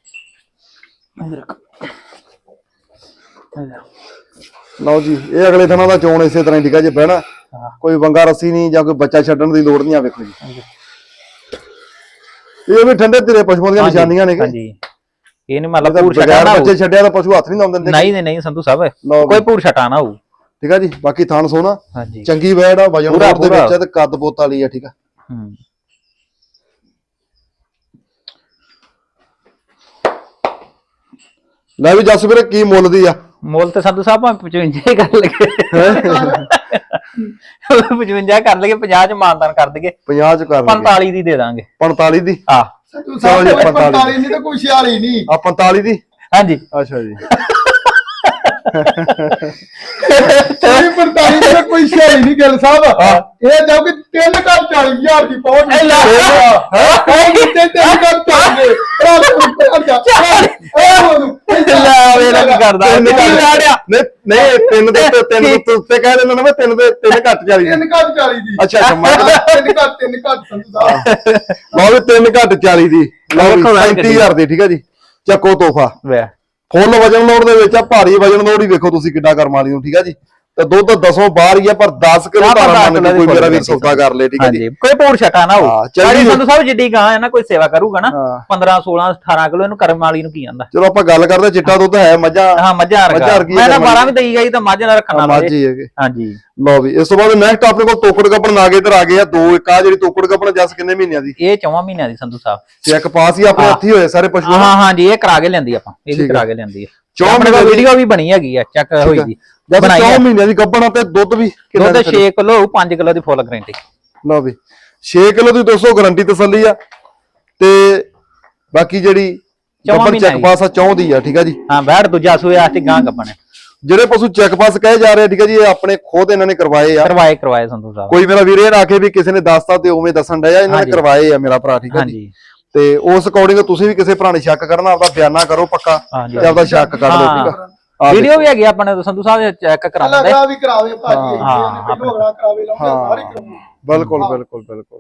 A: ਲਓ ਜੀ, ਇਹ ਅਗਲੇ ਦਿਨਾਂ ਦਾ ਚੋਣ ਇਸੇ ਤਰ੍ਹਾਂ, ਠੀਕ ਹੈ ਜੀ। ਬਹਿਣਾ ਕੋਈ ਵੰਗਾ ਰੱਸੀ ਨਹੀਂ ਜਾਂ ਕੋਈ ਬੱਚਾ ਛੱਡਣ ਦੀ ਲੋੜ ਨਹੀਂ ਆ। ਵੇਖੋ ਜੀ, ਇਹ ਵੀ ਠੰਡੇ ਧੀਰੇ ਪਸ਼ੂਆਂ ਦੀਆਂ ਨਿਸ਼ਾਨੀਆਂ ਨੇ।
B: ਹਾਂਜੀ ਇਹ ਨਹੀਂ ਮਤਲਬ ਭੂਰ ਛਟਾ ਨਾ
A: ਬੱਚੇ ਛੱਡਿਆ ਤਾਂ ਪਸ਼ੂ ਹੱਥ ਨਹੀਂ ਲਾਉਂਦੇ ਦਿੰਦੇ।
B: ਨਹੀਂ ਸੰਧੂ ਸਾਹਿਬ, ਕੋਈ ਭੂਰ ਛਟਾ ਨਾ ਹੋਊ,
A: ਠੀਕ ਆ ਜੀ। ਬਾਕੀ ਥਣ ਸੋਨਾ
B: ਹਾਂਜੀ
A: ਚੰਗੀ ਵੈੜ ਆ, ਵਜਨ ਦੇ ਵਿੱਚ ਆ ਤੇ ਕੱਦ ਬੋਤ ਵਾਲੀ ਆ, ਠੀਕ ਆ। ਲੈ ਵੀ ਜੱਸ ਵੀਰੇ, ਕੀ ਮੁੱਲ ਦੀ ਆ?
B: ਮੁੱਲ ਤੇ ਸੰਧੂ ਸਾਹਿਬ 55 ਹੀ ਕਰ ਲਗੇ, 55 ਕਰ ਲਗੇ, 50 ਚ ਮਾਨਤਾਨ ਕਰ ਦਈਏ।
A: 50 ਚ ਕਰ ਲਈਏ,
B: 45 ਦੀ ਦੇ ਦਾਂਗੇ।
A: 45 ਦੀ?
B: ਹਾਂ
C: ਤੂੰ ਸਾਹਿਬ 45 ਨਹੀਂ ਤਾਂ ਕੋਈ 46 ਨਹੀਂ
A: ਆ 45 ਦੀ।
B: ਹਾਂਜੀ
A: ਅੱਛਾ ਜੀ।
C: ਕੋਈ 45 ਦਾ ਕੋਈ 46 ਨਹੀਂ ਗਿਲ ਸਾਹਿਬ। ਇਹ ਜਾਓ ਕਿ 3 ਘਰ 40,000 ਦੀ ਪਹੁੰਚ ਹੈ। ਉਹ ਕਿਤੇ 3 ਘਰ 40
A: ਨਹੀਂ ਤਿੰਨ ਦੇ ਉੱਤੇ ਕਹਿ ਦਿੰਦਾ ਨਾ ਮੈਂ, 3 ਦੇ 3 ਘੱਟ 40
C: 3 ਘਰ 40 ਦੀ।
A: ਅੱਛਾ
C: 3 ਘੱਟ ਸੰਧੂ ਸਾਹਿਬ।
A: ਲਓ ਵੀ 3 ਘੱਟ 40 ਦੀ, ਲਓ 35,000 ਦੀ, ਠੀਕ ਹੈ ਜੀ। ਚੱਕੋ ਤੋਹਫਾ। ਫੁੱਲ ਵਜਨ ਲੋਡ ਦੇ ਵਿੱਚ ਆ, ਭਾਰੀ ਵਜਨ ਲੋਡ ਹੀ ਵੇਖੋ ਤੁਸੀਂ ਕਿੱਡਾ ਕਰਮ ਵਾਲੀ ਨੂੰ, ਠੀਕ ਹੈ ਜੀ। ਤੇ ਦੁੱਧ 10 ਬਾਹਰ ਹੀ ਆ, ਪਰ 10 ਕਿਲੋ ਧਾਰਾ ਮੰਨ ਕੇ ਕੋਈ ਮੇਰਾ ਵੀਰ ਸੌਦਾ ਕਰ ਲੇ, ਠੀਕ ਹੈ ਜੀ।
B: ਕੋਈ ਭੂਰ ਛਟਾ ਨਾ ਹੋ।
A: ਚੰਗੀ
B: ਸੰਧੂ ਸਾਹਿਬ ਜਿੱਡੀ ਗਾਂ ਹੈ ਨਾ, ਕੋਈ ਸੇਵਾ ਕਰੂਗਾ ਨਾ 15 16 18 ਕਿਲੋ, ਇਹਨੂੰ ਕਰਮ ਵਾਲੀ ਨੂੰ ਕੀ ਆਂਦਾ।
A: ਚਲੋ ਆਪਾਂ ਗੱਲ ਕਰਦੇ, ਚਿੱਟਾ ਦੁੱਧ ਹੈ ਮੱਝਾਂ।
B: ਹਾਂ ਮੱਝਾਂ ਮੈਂ ਤਾਂ 12 ਵੀ ਦਈ ਗਈ ਤਾਂ ਮੱਝ ਨਾਲ ਰੱਖਣਾ
A: ਮੱਝ ਹੀ ਹੈਗੇ।
B: ਹਾਂਜੀ
A: ਲਓ ਵੀ ਇਸ ਤੋਂ ਬਾਅਦ ਨੈਕਸਟ ਆਪਣੇ ਕੋਲ ਤੋਕੜ ਕੱਪਣ ਨਾਗੇ ਇਧਰ ਆ ਗਏ ਆ। 2 ਇੱਕ ਆ ਜਿਹੜੀ ਤੋਕੜ ਕੱਪਣ ਜੱਸ ਕਿੰਨੇ ਮਹੀਨਿਆਂ ਦੀ?
B: ਇਹ 4 ਮਹੀਨਿਆਂ ਦੀ ਸੰਧੂ ਸਾਹਿਬ।
A: ਚੈੱਕ ਪਾਸ ਹੀ ਆਪਣੇ ਹੱਥੀ ਹੋਏ ਸਾਰੇ ਪਸ਼ੂ।
B: ਹਾਂਜੀ ਇਹ ਕਰਾ ਕੇ ਲੈਂਦੀ ਆਪਾਂ, ਇਹ ਵੀ ਕਰਾ ਕੇ ਲੈਂਦੀ ਹੈ।
A: 4 ਮਹੀਨੇ ਦੀ
B: ਵੀਡੀਓ ਵੀ ਬਣੀ ਹੈਗੀ ਆ, ਚੈੱਕ ਹੋਈ ਦੀ।
A: 4 ਮਹੀਨਿਆਂ ਦੀ ਗੱਭਣ ਤੇ ਦੁੱਧ ਵੀ
B: ਦੁੱਧ 6 ਕਿਲੋ 5 ਕਿਲੋ ਦੀ ਫੁੱਲ ਗਾਰੰਟੀ।
A: ਲਓ ਵੀ 6 ਕਿਲੋ ਦੀ 200 ਗਾਰੰਟੀ ਤਸੱਲੀ ਆ। ਤੇ ਬਾਕੀ ਜਿਹੜੀ ਗੱਭਣ ਚੈੱਕ ਪਾਸ ਆ 4 ਦੀ ਆ, ਠੀਕ ਆ ਜੀ।
B: ਹਾਂ ਬੈਠ ਦੂਜਾ ਸੂਏ ਆਸਤੇ ਗਾਂ ਗੱਭਣ।
A: ਜਿਹੜੇ ਪਸ਼ੂ ਚੈੱਕ ਪਾਸ ਕਹੇ ਜਾ ਰਹੇ, ਠੀਕ ਹੈ ਜੀ, ਇਹ ਆਪਣੇ ਖੁਦ ਇਹਨਾਂ ਨੇ ਕਰਵਾਏ ਆ।
B: ਕਰਵਾਏ ਸੰਧੂ ਸਾਹਿਬ।
A: ਕੋਈ ਮੇਰਾ ਵੀਰ ਇਹ ਨਾ ਆਖੇ ਵੀ ਕਿਸੇ ਨੇ ਦੱਸਤਾ ਤੇ ਉਵੇਂ ਦੱਸਣ ਡਿਆ, ਇਹਨਾਂ ਨੇ ਕਰਵਾਏ ਆ ਮੇਰਾ ਭਰਾ, ਠੀਕ ਹੈ ਜੀ। ਤੇ ਉਸ ਅਕੋਰਡਿੰਗ ਤੁਸੀਂ ਵੀ ਕਿਸੇ ਭਰਾ ਨੇ ਸ਼ੱਕ ਕਰਨਾ, ਆਪਦਾ ਬਿਆਨਾ ਕਰੋ ਪੱਕਾ ਤੇ ਆਪਦਾ ਸ਼ੱਕ ਕਰ ਲਓ, ਠੀਕ ਆ।
B: ਵੀਡੀਓ ਵੀ ਹੈਗੀ ਆਪਣੇ ਸੰਧੂ ਸਾਹਿਬ, ਚੈੱਕ ਕਰਾਉਂਦੇ
C: ਅਗਲਾ ਵੀ ਕਰਾਵੇ ਭਾਜੀ, ਪਹਿਲੋਂ ਅਗਲਾ ਕਰਾਵੇ, ਲਾਉਂਦੇ ਸਾਰੇ ਕਰਾਉਂਦੇ।
A: ਬਿਲਕੁਲ ਬਿਲਕੁਲ ਬਿਲਕੁਲ।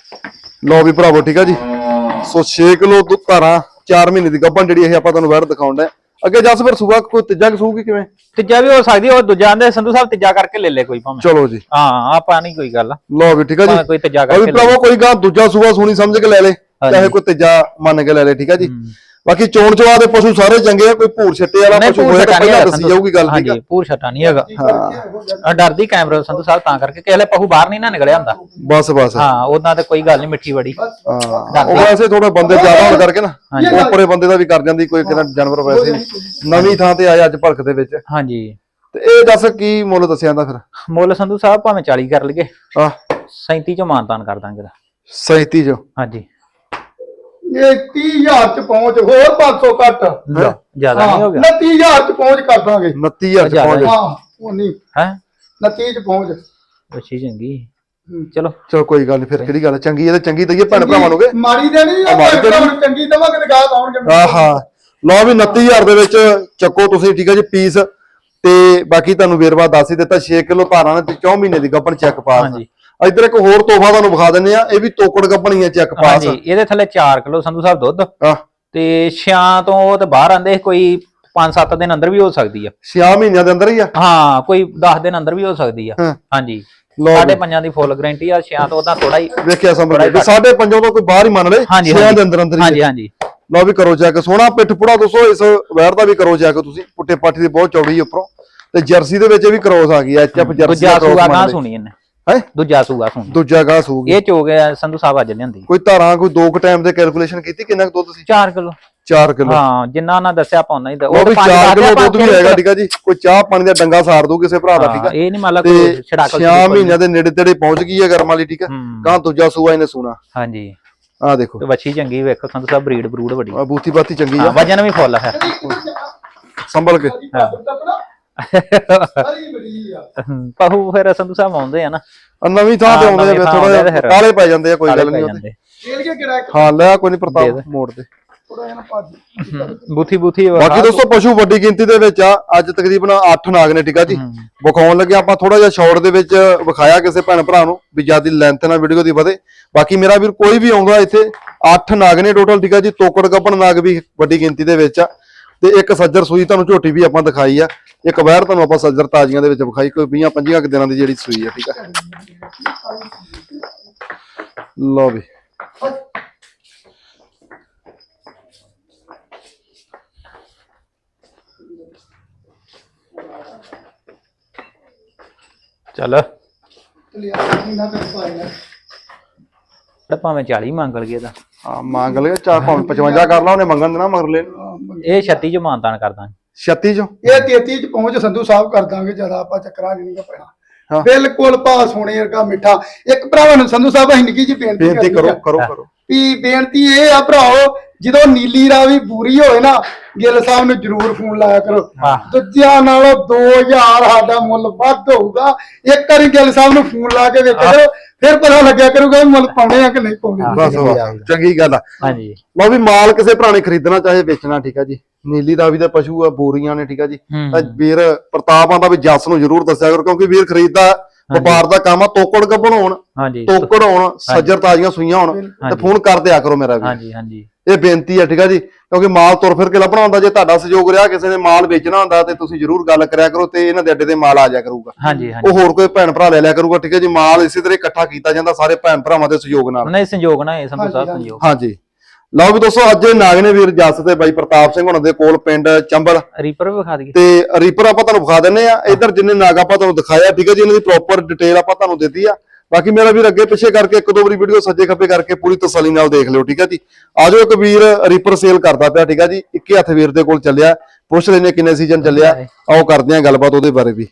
A: ਲਓ ਵੀ ਭਰਾਵੋ, ਠੀਕ ਆ ਜੀ। ਸੋ 6 ਕਿਲੋ ਦੁੱਧ ਧਾਰਾ 4 ਮਹੀਨੇ ਦੀ ਗੱਭਣ ਜਿਹੜੀ ਇਹ ਆਪਾਂ ਤੁਹਾਨੂੰ ਵੈੜ ਦਿਖਾਉਣ ਦਾ। ਅੱਗੇ ਜਸ ਫਿਰ ਸੂਆ ਕੋਈ ਤੀਜਾ ਸੂਗੀ ਕਿਵੇਂ?
B: ਤੀਜਾ ਵੀ ਹੋ ਸਕਦੀ, ਉਹ ਦੂਜਾ ਆਂਦੇ ਸੰਧੂ ਸਾਹਿਬ ਤੀਜਾ ਕਰਕੇ ਲੈ ਲੈ ਕੋਈ ਭਾਵੇਂ।
A: ਚਲੋ ਜੀ,
B: ਹਾਂ ਆਪਾਂ ਨਹੀਂ ਕੋਈ ਗੱਲ।
A: ਲਓ ਵੀ ਠੀਕ ਆ ਜੀ।
B: ਕੋਈ ਤੀਜਾ ਕਰਕੇ
A: ਭਰਾਵੋ ਕੋਈ ਗਾਂ ਦੂਜਾ ਸੂਆ ਸੁਣੀ ਸਮਝ ਕੇ ਲੈ ਲੈ, ਚਾਹੇ ਕੋਈ ਤੀਜਾ ਮੰਨ ਕੇ ਲੈ ਲੈ, ਠੀਕ ਆ ਜੀ। ਬਾਕੀ ਚੋਣ ਚਵਾ ਦੇ ਪਸ਼ੂ ਸਾਰੇ ਚੰਗੇ ਆ, ਕੋਈ ਭੂਰ ਛੱਟੇ ਵਾਲਾ ਪਸ਼ੂ ਹੋਇਆ ਤਾਂ ਪਹਿਲਾਂ ਦੱਸੀ ਜਾਊਗੀ ਗੱਲ, ਠੀਕ ਆ।
B: ਭੂਰ ਛੱਟਾ ਨਹੀਂ ਹੈਗਾ। ਹਾਂ ਡਰਦੀ ਕੈਮਰਾ ਸੰਧੂ ਸਾਹਿਬ ਤਾਂ ਕਰਕੇ ਕਿਸੇ ਪਸ਼ੂ ਬਾਹਰ ਨਹੀਂ ਨਾ ਨਿਕਲਿਆ ਹੁੰਦਾ।
A: ਬਸ ਬਸ
B: ਹਾਂ ਉਹਨਾਂ ਤੇ ਕੋਈ ਗੱਲ ਨਹੀਂ, ਮਿੱਠੀ ਬੜੀ।
A: ਹਾਂ ਉਹ ਵੈਸੇ ਥੋੜੇ ਬੰਦੇ ਜ਼ਿਆਦਾ ਹੋਣ ਕਰਕੇ ਨਾ, ਉੱਪਰੇ ਬੰਦੇ ਦਾ ਵੀ ਕਰ ਜਾਂਦੀ ਕੋਈ ਕਿਹੜਾ ਜਾਨਵਰ। ਵੈਸੇ ਨਵੀਂ ਥਾਂ ਤੇ ਆਇਆ ਅੱਜ ਭਲਕ ਦੇ ਵਿੱਚ। ਹਾਂਜੀ ਤੇ ਇਹ ਦੱਸ ਕੀ ਮੁੱਲ ਦੱਸਿਆ ਜਾਂਦਾ ਫਿਰ?
B: ਮੁੱਲ ਸੰਧੂ ਸਾਹਿਬ ਭਾਵੇਂ 40 ਕਰ ਲਈਏ, 37 ਚੋਂ ਮਾਨਤਾਨ ਕਰ ਦਾਂਗੇ।
A: 37 ਚੋਂ?
C: ਹਾਂਜੀ। ਇਹ 30,000 ਚ ਪਹੁੰਚ, ਹੋਰ 500 ਘੱਟ।
B: ਜ਼ਿਆਦਾ ਨਹੀਂ ਹੋ ਗਿਆ?
C: 29,000 ਚ ਪਹੁੰਚ ਕਰ ਦਾਂਗੇ।
A: 29,000 ਚ ਪਹੁੰਚ?
C: ਹਾਂ ਉਹ ਨਹੀਂ ਹੈ 29 ਚ ਪਹੁੰਚ।
B: ਅੱਛੀ ਚੰਗੀ ਚਲੋ
A: ਕੋਈ ਗੱਲ ਨਹੀਂ, ਫਿਰ ਕਿਹੜੀ ਗੱਲ ਚੰਗੀ, ਇਹ ਚੰਗੀ ਦਈਏ ਭੈਣ ਭਰਾਵਾਂ ਨੂੰ।
C: ਮਾੜੀ ਦੇ ਨਹੀਂ ਚੰਗੀ ਦਵਾਂਗੇ ਤੇ ਗਾਹ ਆਉਣਗੇ।
A: ਆਹਾ ਲਓ ਵੀ 29000 ਦੇ ਵਿੱਚ ਚੱਕੋ ਤੁਸੀਂ, ਠੀਕ ਹੈ ਜੀ ਪੀਸ। ਤੇ ਬਾਕੀ ਤੁਹਾਨੂੰ ਵੇਰਵਾ ਦੱਸ ਹੀ ਦਿੱਤਾ, 6 ਕਿਲੋ ਧਾਰਾਂ ਨੇ ਤੇ 4 ਮਹੀਨੇ ਦੀ ਗੱਭਣ ਚੈੱਕ ਪਾਸ। ਇੱਧਰ ਇੱਕ ਹੋਰ ਤੋਹਫਾ ਤੁਹਾਨੂੰ ਵਿਖਾ ਦਿੰਦੇ ਆ, ਇਹ ਵੀ ਤੋਕੜ ਗੱਭਣੀ ਹੈ ਚੈੱਕ ਪਾਸ।
B: ਇਹਦੇ ਥੱਲੇ 4 ਕਿਲੋ ਸੰਧੂ ਸਾਹਿਬ ਦੁੱਧ ਤੇ 6 ਤੋਂ ਉਹ ਤੇ ਬਾਹਰ ਆਂਦੇ ਕੋਈ 5-7 ਦਿਨ ਅੰਦਰ ਵੀ ਹੋ ਸਕਦੀ ਆ।
A: 6 ਮਹੀਨਿਆਂ ਦੇ ਅੰਦਰ ਹੀ ਆ,
B: ਹਾਂ ਕੋਈ 10 ਦਿਨ ਅੰਦਰ ਵੀ ਹੋ ਸਕਦੀ ਆ। ਹਾਂਜੀ 5.5 ਦੀ ਫੁੱਲ ਗਾਰੰਟੀ ਆ। 6 ਤੋਂ ਉਹਦਾ ਥੋੜਾ ਹੀ
A: ਵੇਖਿਆ ਸਮਝ ਲਿਆ, 5.5 ਤੋਂ ਕੋਈ ਬਾਹਰ ਹੀ ਮੰਨ ਲੈ, 6 ਦੇ ਅੰਦਰ ਅੰਦਰ ਹੀ।
B: ਹਾਂਜੀ
A: ਲਓ ਵੀ ਕਰੋ ਚੈੱਕ, ਸੋਹਣਾ ਪਿੱਠ ਪੁੜਾ ਦੋਸਤੋ ਇਸ ਵੈਰ ਦਾ ਵੀ ਕਰੋ ਚੈੱਕ ਤੁਸੀਂ। ਪੁੱਟੇ ਪਾਠੀ ਦੀ ਬਹੁਤ ਚੌੜੀ ਉੱਪਰੋਂ, ਤੇ ਜਰਸੀ ਦੇ ਵਿੱਚ ਵੀ ਕਰੋਸ ਆ ਗਈ ਐਚਐਫ ਜਰਸੀ
B: ਦਾ ਕਰੋਸ ਮੰਨ ਸੁਣੀ ਇਹਨੇ
A: ਹੈ।
B: ਦੂਜਾ ਸੂਗਾ ਸੁਣੀ,
A: ਦੂਜਾ ਗਾਹ ਸੂਗੀ
B: ਇਹ ਚੋ ਗਿਆ ਸੰਧੂ ਸਾਹਿਬ ਅੱਜ ਲਿਆਂਦੀ।
A: ਕੋਈ ਧਾਰਾਂ ਕੋਈ 2 ਟਾਈਮ ਦੇ ਕੈਲਕੂਲੇਸ਼ਨ ਕੀਤੀ ਕਿੰਨਾ ਕੁ ਦੁੱਧ ਸੀ?
B: 4 ਕਿਲੋ।
A: 4 ਕਿਲੋ,
B: ਹਾਂ ਜਿੰਨਾ ਉਹਨਾਂ ਦੱਸਿਆ ਆਪਾਂ ਉਹਨਾਂ ਹੀ
A: ਉਹ ਵੀ 4 ਕਿਲੋ ਦੁੱਧ ਵੀ ਹੈਗਾ, ਠੀਕ ਆ ਜੀ। ਕੋਈ ਚਾਹ ਪਾਣੀ ਦਾ ਡੰਗਾ ਸਾਰ ਦੂ ਕਿਸੇ ਭਰਾ ਦਾ, ਠੀਕ ਆ।
B: ਇਹ ਨਹੀਂ ਮੰਨ ਲਾ ਕੋਈ ਛੜਾਕਲ
A: 6 ਮਹੀਨਿਆਂ ਦੇ ਨੇੜੇ ਤੇੜੇ ਪਹੁੰਚ ਗਈ ਹੈ ਗਰਮ ਵਾਲੀ, ਠੀਕ ਆ। ਗਾਂ ਦੂਜਾ ਸੂਆ ਇਹਨੇ ਸੂਣਾ।
B: ਹਾਂਜੀ
A: ਆ ਦੇਖੋ
B: ਤੇ ਵੱਛੀ ਚੰਗੀ ਵੇਖੋ ਸੰਧੂ ਸਾਹਿਬ, ਬਰੀਡ ਬਰੂਡ ਵੱਡੀ,
A: ਬੂਥੀ ਬਾਤੀ ਚੰਗੀ ਆ,
B: ਵਜਨ ਵੀ ਫੁੱਲ ਹੈ
A: ਸੰਭਲ ਕੇ।
B: ਪਹੂ ਫਿਰ ਸੰਧੂ ਸਾਹਿਬ ਆਉਂਦੇ ਆ ਨਾ
A: ਨਵੀਂ ਥਾਂ ਤੇ ਆਉਂਦੇ ਆ, ਥੋੜਾ ਜਿਹਾ ਕਾਲੇ ਪੈ ਜਾਂਦੇ ਆ, ਕੋਈ ਗੱਲ ਨਹੀਂ। ਹਾਂ ਲੈ ਕੋਈ ਨਹੀਂ, ਪ੍ਰਤਾਪ ਮੋੜ ਤੇ
B: ਬੂਥੀ
A: ਬਾਕੀ ਦੋਸਤੋ ਪਸ਼ੂ ਵੱਡੀ ਗਿਣਤੀ ਦੇ ਵਿੱਚ ਆ। ਅੱਜ ਤਕਰੀਬਨ 8 ਨਾਗ ਨੇ, ਠੀਕ ਆ ਜੀ। ਵਿਖਾਉਣ ਲੱਗੇ ਆਪਾਂ ਥੋੜਾ ਜਿਹਾ ਸ਼ਾਰਟ ਦੇ ਵਿੱਚ ਵਿਖਾਇਆ ਕਿਸੇ ਭੈਣ ਭਰਾ ਨੂੰ ਵੀ ਜਿਆਦਾ ਲੈਂਥ ਨਾਲ ਵੀਡੀਓ ਦੀ ਵਧੇ। ਬਾਕੀ ਮੇਰਾ ਵੀਰ ਕੋਈ ਵੀ ਆਉਂਦਾ ਇੱਥੇ 8 ਨਾਗ ਨੇ ਟੋਟਲ, ਠੀਕ ਆ ਜੀ। ਤੋਕੜ ਗੱਭਣ ਨਾਗ ਵੀ ਵੱਡੀ ਗਿਣਤੀ ਦੇ ਵਿੱਚ ਆ, ਤੇ ਇੱਕ ਸੱਜਰ ਸੂਈ ਤੁਹਾਨੂੰ ਝੋਟੀ ਵੀ ਆਪਾਂ ਦਿਖਾਈ ਆ। ਇੱਕ ਵੈਰ ਤੁਹਾਨੂੰ ਆਪਾਂ ਸੱਜਰ ਤਾਜ਼ੀਆਂ ਦੇ ਵਿੱਚ ਵਿਖਾਈ, ਕੋਈ 20-25 ਦਿਨਾਂ ਦੀ ਜਿਹੜੀ ਸੂਈ ਆ, ਠੀਕ ਆ। ਲਓ ਵੀ
B: ਚੱਲ ਭਾਵੇਂ 40 ਮੰਗ ਲਈਏ ਤਾਂ
A: ਹਾਂ ਮੰਗ ਲਿਆ, 55 ਕਰ ਲਾ, ਉਹਨੇ ਮੰਗਣ ਦੇਣਾ ਮਗਰ ਲੈ।
B: ਇਹ 36 ਚ ਮਾਨਤਾਨ ਕਰਦਾ,
A: 36 ਚੋਂ
C: ਇਹ 33 ਚ ਪਹੁੰਚ ਸੰਧੂ ਸਾਹਿਬ ਕਰ ਦਾਂਗੇ, ਜਿਆਦਾ ਆਪਾਂ ਚੱਕਰਾਂ ਨਹੀਂ ਪੈਣਾ। ਬਿਲਕੁਲ ਭਾ ਸੋਨੇ ਵਰਗਾ ਮਿੱਠਾ। ਇੱਕ ਭਰਾਵਾਂ ਨੂੰ ਸੰਧੂ ਸਾਹਿਬ ਅਸੀਂ ਨਿੱਕੀ ਜੀ ਬੇਨਤੀ
A: ਕਰੋ
C: ਵੀ ਬੇਨਤੀ ਇਹ ਆ ਭਰਾਓ, ਜਦੋਂ ਨੀਲੀ ਰਾਵੀ ਪੂਰੀ ਹੋਏ ਨਾ, ਗਿੱਲ ਸਾਹਿਬ ਨੂੰ ਜਰੂਰ ਫੋਨ ਲਾਇਆ ਕਰੋ। ਦੂਜਿਆਂ ਨਾਲੋਂ 2000 ਸਾਡਾ ਮੁੱਲ ਵੱਧ ਹੋਊਗਾ। ਇੱਕ ਵਾਰੀ ਗਿੱਲ ਸਾਹਿਬ ਨੂੰ ਫੋਨ ਲਾ ਕੇ ਵੇਖਿਆ ਕਰੋ, ਫਿਰ ਪਤਾ ਲੱਗਿਆ ਕਰੂਗਾ ਮੁੱਲ ਪਾਉਣੇ ਆ ਕਿ ਨਹੀਂ ਪਾਉਣੇ।
A: ਚੰਗੀ ਗੱਲ ਆ।
B: ਹਾਂਜੀ
A: ਲਓ ਵੀ ਮਾਲ ਕਿਸੇ ਭਰਾ ਨੇ ਖਰੀਦਣਾ ਚਾਹੇ ਵੇਚਣਾ, ਠੀਕ ਆ ਜੀ। ਨੀਲੀ ਰਾਵੀ ਦੇ ਪਸ਼ੂ ਆ, ਬੋਰੀਆਂ ਨੇ, ਠੀਕ ਆ ਜੀ। ਤਾਂ ਵੀਰ ਪ੍ਰਤਾਪ ਆਂਦਾ ਵੀ ਜੱਸ ਨੂੰ ਜਰੂਰ ਦੱਸਿਆ ਕਰੋ, ਕਿਉਂਕਿ ਵੀਰ ਖਰੀਦਦਾ ਵਪਾਰ ਦਾ ਕੰਮ ਆ। ਤੋਕੜ ਗੱਭਣ ਹੋਣ, ਤੋਕੜ ਹੋਣ, ਸੱਜਰ ਤਾਜ਼ੀਆਂ ਸੂਈਆਂ ਹੋਣ, ਤੇ ਫੋਨ ਕਰ ਦਿਆ ਕਰੋ ਮੇਰਾ ਵੀ। ਇਹ ਬੇਨਤੀ ਆ, ਠੀਕ ਆ ਜੀ। ਕਿਉਂਕਿ ਮਾਲ ਤੁਰ ਫਿਰ ਕੇ ਲੱਭਣਾ ਹੁੰਦਾ। ਜੇ ਤੁਹਾਡਾ ਸਹਿਯੋਗ ਰਿਹਾ, ਕਿਸੇ ਨੇ ਮਾਲ ਵੇਚਣਾ ਹੁੰਦਾ, ਤੇ ਤੁਸੀਂ ਜਰੂਰ ਗੱਲ ਕਰਿਆ ਕਰੋ, ਤੇ ਇਹਨਾਂ ਦੇ ਅੱਡੇ ਤੇ ਮਾਲ ਆ ਜਾਇਆ ਕਰੂਗਾ। ਉਹ ਹੋਰ ਕੋਈ ਭੈਣ ਭਰਾ ਲੈ ਲਿਆ ਕਰੂਗਾ, ਠੀਕ ਹੈ ਜੀ। ਮਾਲ ਇਸੇ ਤਰ੍ਹਾਂ ਇਕੱਠਾ ਕੀਤਾ ਜਾਂਦਾ ਸਾਰੇ ਭੈਣ ਭਰਾਵਾਂ ਦੇ ਸਹਿਯੋਗ ਨਾਲ।
B: ਨਹੀਂ ਸੰਯੋਗ ਨਾ ਇਹ ਸੰਧੂ ਸਾਹਿਬ ਸੰਯੋਗ।
A: ਹਾਂਜੀ ਲਓ ਵੀ ਦੋਸਤੋ, ਅੱਜ ਨਾਗ ਨੇ ਵੀਰ ਜੱਸ ਤੇ ਬਾਈ ਪ੍ਰਤਾਪ ਸਿੰਘ ਹੁਣਾਂ ਦੇ ਕੋਲ ਪਿੰਡ ਚੰਬਲ।
B: ਰੀਪਰ ਵੀ ਵਿਖਾ ਦਈਏ,
A: ਤੇ ਰੀਪਰ ਆਪਾਂ ਤੁਹਾਨੂੰ ਵਿਖਾ ਦਿੰਨੇ ਆ। ਇੱਧਰ ਜਿੰਨੇ ਨਾਗ ਆਪਾਂ ਤੁਹਾਨੂੰ ਦਿਖਾਇਆ, ਠੀਕ ਹੈ ਜੀ, ਇਹਨਾਂ ਦੀ ਪ੍ਰੋਪਰ ਡਿਟੇਲ ਆਪਾਂ ਤੁਹਾਨੂੰ ਦਿੱਤੀ ਆ। ਬਾਕੀ ਮੇਰਾ ਵੀਰ ਅੱਗੇ ਪਿੱਛੇ ਕਰਕੇ 1-2 ਵਾਰੀ ਵੀਡੀਓ ਸੱਜੇ ਖੱਬੇ ਕਰਕੇ ਪੂਰੀ ਤਸੱਲੀ ਨਾਲ ਦੇਖ ਲਿਓ, ਠੀਕ ਹੈ ਜੀ। ਆਜੋ ਇੱਕ ਵੀਰ ਰੀਪਰ ਸੇਲ ਕਰਦਾ ਪਿਆ, ਠੀਕ ਹੈ ਜੀ। ਇੱਕੇ ਹੱਥ ਵੀਰ ਦੇ ਕੋਲ ਚੱਲਿਆ, ਪੁੱਛ ਲੈਨੇ ਕਿੰਨੇ ਸੀਜ਼ਨ ਚੱਲਿਆ, ਆਓ ਕਰਦੇ ਆ ਗੱਲਬਾਤ ਉਹਦੇ ਬਾਰੇ ਵੀ।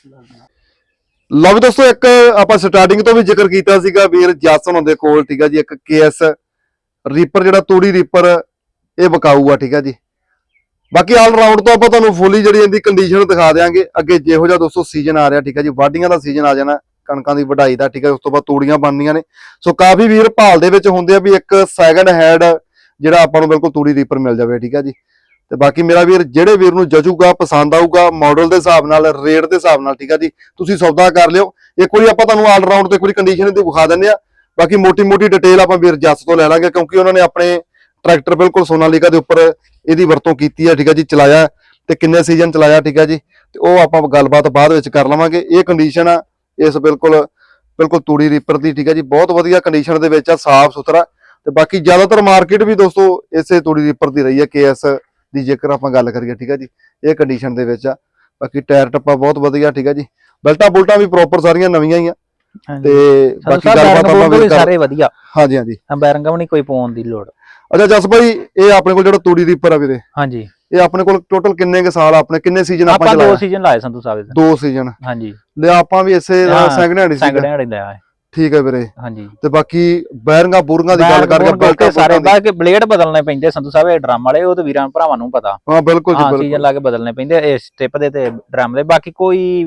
A: ਲਓ ਵੀ ਦੋਸਤੋ, ਇੱਕ ਆਪਾਂ ਸਟਾਰਟਿੰਗ ਤੋਂ ਵੀ ਜ਼ਿਕਰ ਕੀਤਾ ਸੀਗਾ ਵੀਰ ਜੱਸ ਹੁਣਾਂ ਦੇ ਕੋਲ, ਠੀਕ ਹੈ ਜੀ। ਇੱਕ KS ਰੀਪਰ ਜਿਹੜਾ ਤੂੜੀ ਰੀਪਰ, ਇਹ ਵਿਕਾਊ ਆ, ਠੀਕ ਹੈ ਜੀ। ਬਾਕੀ ਆਲ ਰਾਊਂਡ ਤੋਂ ਆਪਾਂ ਤੁਹਾਨੂੰ ਫੁੱਲੀ ਜਿਹੜੀ ਇਹਦੀ ਕੰਡੀਸ਼ਨ ਦਿਖਾ ਦੇਾਂਗੇ। ਅੱਗੇ ਜਿਹੋ ਜਿਹਾ ਦੋਸਤੋ ਸੀਜ਼ਨ ਆ ਰਿਹਾ, ਠੀਕ ਹੈ ਜੀ। ਵਾਢੀਆਂ ਦਾ ਸੀਜ਼ਨ ਆ ਜਾਣਾ, ਕਣਕਾਂ ਦੀ ਵਢਾਈ ਦਾ, ਠੀਕ ਹੈ। ਉਸ ਤੋਂ ਬਾਅਦ ਤੂੜੀਆਂ ਬਣਨੀਆਂ ਨੇ। ਸੋ ਕਾਫੀ ਵੀਰ ਭਾਲ ਦੇ ਵਿੱਚ ਹੁੰਦੇ ਆ ਵੀ ਇੱਕ ਸੈਕਿੰਡ ਹੈਂਡ ਜਿਹੜਾ ਆਪਾਂ ਨੂੰ ਬਿਲਕੁਲ ਤੂੜੀ ਰੀਪਰ ਮਿਲ ਜਾਵੇ, ਠੀਕ ਹੈ ਜੀ। ਤੇ ਬਾਕੀ ਮੇਰਾ ਵੀਰ ਜਿਹੜੇ ਵੀਰ ਨੂੰ ਜਚੂਗਾ, ਪਸੰਦ ਆਊਗਾ, ਮਾਡਲ ਦੇ ਹਿਸਾਬ ਨਾਲ, ਰੇਟ ਦੇ ਹਿਸਾਬ ਨਾਲ, ਠੀਕ ਹੈ ਜੀ, ਤੁਸੀਂ ਸੌਦਾ ਕਰ ਲਿਓ। ਇੱਕ ਵਾਰੀ ਆਪਾਂ ਤੁਹਾਨੂੰ ਆਲ ਰਾਊਂਡ ਤੇ ਇੱਕ ਵਾਰੀ ਕੰਡੀਸ਼ਨ ਦੀ ਵਿਖਾ ਦਿੰਦੇ ਆ। ਬਾਕੀ ਮੋਟੀ ਡਿਟੇਲ ਆਪਾਂ ਵੀਰ ਜੱਸ ਤੋਂ ਲੈ ਲਾਂਗੇ, ਕਿਉਂਕਿ ਉਹਨਾਂ ਨੇ ਆਪਣੇ ਟਰੈਕਟਰ ਬਿਲਕੁਲ ਸੋਨਾਲੀਕਾ ਦੇ ਉੱਪਰ ਇਹਦੀ ਵਰਤੋਂ ਕੀਤੀ ਹੈ, ਠੀਕ ਹੈ ਜੀ। ਚਲਾਇਆ ਤੇ ਕਿੰਨੇ ਸੀਜ਼ਨ ਚਲਾਇਆ, ਠੀਕ ਹੈ ਜੀ। ਤੇ ਉਹ ਆਪਾਂ ਗੱਲਬਾਤ ਬਾਅਦ ਵਿੱਚ ਕਰ ਲਵਾਂਗੇ। ਇਹ ਕੰਡੀਸ਼ਨ ਆ ਇਸ ਬਿਲਕੁਲ ਤੂੜੀ ਰੀਪਰ ਦੀ, ਠੀਕ ਹੈ ਜੀ। ਬਹੁਤ ਵਧੀਆ ਕੰਡੀਸ਼ਨ ਦੇ ਵਿੱਚ ਆ, ਸਾਫ਼ ਸੁਥਰਾ। ਤੇ ਬਾਕੀ ਜ਼ਿਆਦਾਤਰ ਮਾਰਕੀਟ ਵੀ ਦੋਸਤੋ ਇਸੇ ਤੂੜੀ ਰੀਪਰ ਦੀ ਰਹੀ ਹੈ, KS ਦੀ ਜੇਕਰ ਆਪਾਂ ਗੱਲ ਕਰੀਏ, ਠੀਕ ਹੈ ਜੀ। ਇਹ ਕੰਡੀਸ਼ਨ ਦੇ ਵਿੱਚ ਆ। ਬਾਕੀ ਟਾਇਰ ਟੱਪਾ ਬਹੁਤ ਵਧੀਆ, ਠੀਕ ਹੈ ਜੀ। ਬੈਲਟਾਂ ਬੁਲਟਾਂ ਵੀ ਪ੍ਰੋਪਰ ਸਾਰੀਆਂ ਨਵੀਆਂ ਹੀ ਆ। ਤੇ ਬਾਕੀ ਗੱਲਬਾਤ
B: ਆਪਾਂ ਸਾਰੇ ਵਧੀਆ।
A: ਹਾਂਜੀ
B: ਬੈਰਿੰਗਾਂ ਵੀ ਨਹੀਂ ਕੋਈ ਪਾਉਣ ਦੀ ਲੋੜ।
A: ਅੱਛਾ ਜਸ ਭਾਈ, ਇਹ ਆਪਣੇ ਕੋਲ ਜਿਹੜਾ ਤੂੜੀ ਰੀਪਰ ਆ ਵੀਰੇ,
B: ਹਾਂਜੀ,
A: ਇਹ ਆਪਣੇ ਕੋਲ ਟੋਟਲ ਕਿੰਨੇ ਕੁ ਸਾਲ, ਆਪਣੇ ਕਿੰਨੇ ਸੀਜ਼ਨ
B: ਆਪਾਂ 2 ਸੀਜ਼ਨ ਲਾਏ ਸੰਧੂ ਸਾਹਿਬ ਦੇ।
A: 2 ਸੀਜ਼ਨ,
B: ਹਾਂਜੀ।
A: ਲਿਆ ਆਪਾਂ ਵੀ ਇਸੇ ਸੈਕਿੰਡ ਹੈਂਡ
B: ਲਿਆ,
A: ਠੀਕ ਹੈ ਵੀਰੇ।
B: ਹਾਂਜੀ।
A: ਤੇ ਬਾਕੀ ਬੈਰਿੰਗਾਂ ਬੂਰੀਆਂ ਦੀ ਗੱਲ ਕਰਕੇ
B: ਸਾਰੇ ਬਾਕੀ ਬਲੇਡ ਬਦਲਣੇ ਪੈਂਦੇ ਸੰਧੂ ਸਾਹਿਬ, ਇਹ ਡਰਮ ਵਾਲੇ, ਉਹ ਤੇ ਵੀਰਾਂ ਭਰਾਵਾਂ ਨੂੰ ਪਤਾ।
A: ਹਾਂ ਬਿਲਕੁਲ ਜੀ, ਬਿਲਕੁਲ
B: ਸੀਜ਼ਨ ਲਾ ਕੇ ਬਦਲਣੇ ਪੈਂਦੇ ਇਸ ਸਟਿਪ ਦੇ ਤੇ ਡਰਮ ਦੇ। ਬਾਕੀ ਕੋਈ ਵੀ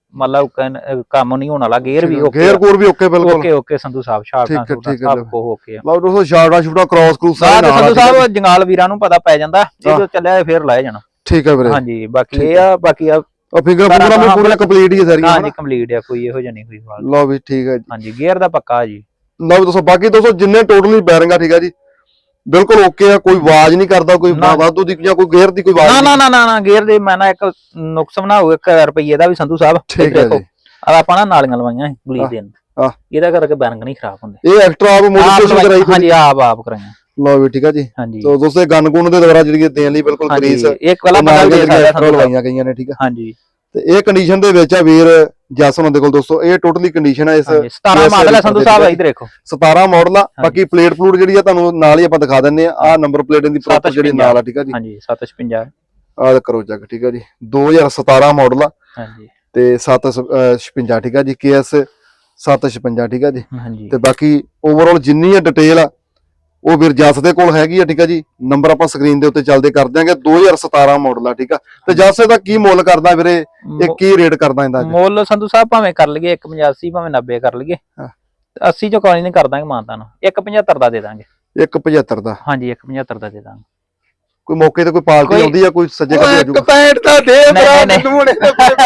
B: ਮਤਲਬ ਕੰਮ ਨਹੀਂ ਹੋਣ ਵਾਲਾ, ਗੇਅਰ ਵੀ ਓਕੇ,
A: ਗੇਅਰ ਗੂਰ ਵੀ ਓਕੇ ਬਿਲਕੁਲ
B: ਓਕੇ ਸੰਧੂ ਸਾਹਿਬ, ਸ਼ਾਰਟਾਂ ਸਭ ਕੋ ਓਕੇ ਆ।
A: ਲਓ ਦੋਸਤੋ ਸ਼ਾਰਟਾਂ ਸ਼ੂਟਾਂ ਕ੍ਰਾਸ ਕਰੂਸ
B: ਸੰਧੂ ਸਾਹਿਬ ਜੰਗਾਲ ਵੀਰਾਂ ਨੂੰ ਪਤਾ ਪੈ ਜਾਂਦਾ, ਜਦੋਂ ਚੱਲਿਆ ਫੇਰ ਲੈ ਜਾਣਾ।
A: ਠੀਕ ਹੈ ਵੀਰੇ।
B: ਹਾਂਜੀ ਬਾਕੀ ਇਹ ਆ, ਬਾਕੀ ਆ
A: ਫਿੰਗਰ ਵੀ ਪੂਰਾ ਕੰਪਲੀਟ ਹੀ ਹੈ ਸਾਰੀਆਂ।
B: ਹਾਂਜੀ ਕੰਪਲੀਟ ਆ, ਕੋਈ ਇਹੋ ਜਿਹਾ ਨਹੀਂ ਕੋਈ ਹਾਲ।
A: ਲਓ ਵੀ ਠੀਕ ਹੈ ਜੀ।
B: ਹਾਂਜੀ ਗੇਅਰ ਦਾ ਪੱਕਾ ਜੀ।
A: ਲਓ ਦੋਸਤੋ ਬਾਕੀ ਦੋਸਤੋ ਜਿੰਨੇ ਟੋਟਲੀ ਬੈਰਿੰਗ ਆ ਠੀਕ ਹੈ ਜੀ ਬਿਲਕੁਲ ਓਕੇ ਆ, ਕੋਈ ਆਵਾਜ਼ ਨਹੀਂ ਕਰਦਾ, ਕੋਈ ਵਾਧੂ ਦੀ ਜਾਂ ਕੋਈ ਗੇਅਰ ਦੀ ਕੋਈ ਆਵਾਜ਼
B: ਨਾ ਗੇਅਰ ਦੇ ਮੈਂ ਨਾ ਇੱਕ ਨੁਕਸ ਬਣਾਉ 1 ਰੁਪਏ ਦਾ ਵੀ ਸੰਧੂ ਸਾਹਿਬ।
A: ਠੀਕ ਹੈ ਜੀ।
B: ਆਪਾਂ ਨਾ ਨਾਲੀਆਂ ਲਵਾਈਆਂ ਗਲੀ ਦੇ ਨੂੰ, ਇਹਦਾ ਕਰਕੇ ਬੈਰਿੰਗ ਨਹੀਂ ਖਰਾਬ ਹੁੰਦੇ।
A: ਇਹ ਐਕਸਟਰਾ ਆਪ ਮੋਡੀਫਿਕੇਸ਼ਨ ਕਰਾਈ?
B: ਹਾਂਜੀ ਆਪ ਕਰਾਈਆਂ।
A: ਲਓ ਵੀ ਠੀਕ ਹੈ ਜੀ।
B: ਹਾਂਜੀ
A: ਤੋ ਦੋਸਤੋ ਗਨ ਗੁਣ ਦੇ ਦੁਆਰਾ ਜਿਹੜੀ ਦੇਣ ਲਈ ਬਿਲਕੁਲ ਗਰੀਸ
B: ਇੱਕ ਵਾਲਾ ਬਦਲ ਦੇ ਸਕਦਾ
A: ਲਵਾਈਆਂ ਗਈਆਂ ਨੇ। ਠੀਕ ਹੈ
B: ਹਾਂਜੀ।
A: ਤੇ ਇਹ ਕੰਡੀਸ਼ਨ ਦੇ ਵਿੱਚ ਆ ਵੀਰ ਜਸ ਉਹਨਾਂ ਦੇ ਕੋਲ ਦੋਸਤੋ, ਇਹ ਟੋਟਲੀ ਕੰਡੀਸ਼ਨ ਹੈ ਇਸ
B: 17 ਮਾਡਲ ਹੈ ਸੰਧੂ ਸਾਹਿਬ, ਇਧਰ ਦੇਖੋ
A: 17 ਮਾਡਲ ਆ। ਬਾਕੀ ਪਲੇਟ ਪਲੂਟ ਜਿਹੜੀ ਆ ਤੁਹਾਨੂੰ ਨਾਲ ਹੀ ਆਪਾਂ ਦਿਖਾ ਦਿੰਨੇ ਆ, ਆਹ ਨੰਬਰ ਪਲੇਟ ਦੀ ਪ੍ਰੋਪਰ ਜਿਹੜੀ ਨਾਲ ਆ। ਠੀਕ ਹੈ ਜੀ।
B: ਹਾਂਜੀ 756
A: ਆਹ ਕਰੋ ਚੈੱਕ। ਠੀਕ ਹੈ ਜੀ 2017 ਮਾਡਲ ਆ।
B: ਹਾਂਜੀ
A: ਤੇ 756 ਠੀਕ ਹੈ ਜੀ, KS 756 ਠੀਕ ਹੈ ਜੀ।
B: ਹਾਂਜੀ
A: ਤੇ ਬਾਕੀ ਓਵਰਆਲ ਜਿੰਨੀ ਆ ਡਿਟੇਲ ਆ ਉਹ ਵੀਰ ਜਸ ਦੇ ਕੋਲ ਹੈਗੀ ਆ। ਠੀਕ ਹੈ ਜੀ। ਨੰਬਰ ਆਪਾਂ ਸਕਰੀਨ ਦੇ ਉੱਤੇ ਚੱਲਦੇ ਕਰ ਦਿਆਂਗੇ। 2017 ਮਾਡਲ ਆ। ਠੀਕ ਆ। ਤੇ ਜਸ ਦਾ ਕੀ ਮੁੱਲ ਕਰਦਾ ਵੀਰੇ, ਇਹ ਕੀ ਰੇਟ ਕਰਦਾ ਇਹਦਾ?
B: ਮੁੱਲ ਸੰਧੂ ਸਾਹਿਬ ਭਾਵੇਂ ਕਰ ਲਈਏ 185 ਭਾਵੇਂ 90 ਕਰ ਲਈਏ, 80 ਚੋਂ ਕੋਈ ਨਹੀਂ ਕਰ ਦਾਂਗੇ ਮਾਨਤਾ ਨੂੰ, 175 ਦਾ ਦੇ ਦਾਂਗੇ।
A: 175 ਦਾ?
B: ਹਾਂਜੀ 175 ਦਾ ਦੇ ਦਾਂਗੇ।
A: ਕੋਈ ਮੌਕੇ ਤੇ ਕੋਈ ਪਾਰਟੀ ਆਉਂਦੀ ਆ, ਕੋਈ ਸੱਜੇ ਖੱਬੇ ਆ ਜਾਊਗਾ?
C: 165 ਦਾ ਦੇ ਭਰਾ ਮੈਨੂੰ ਨੇ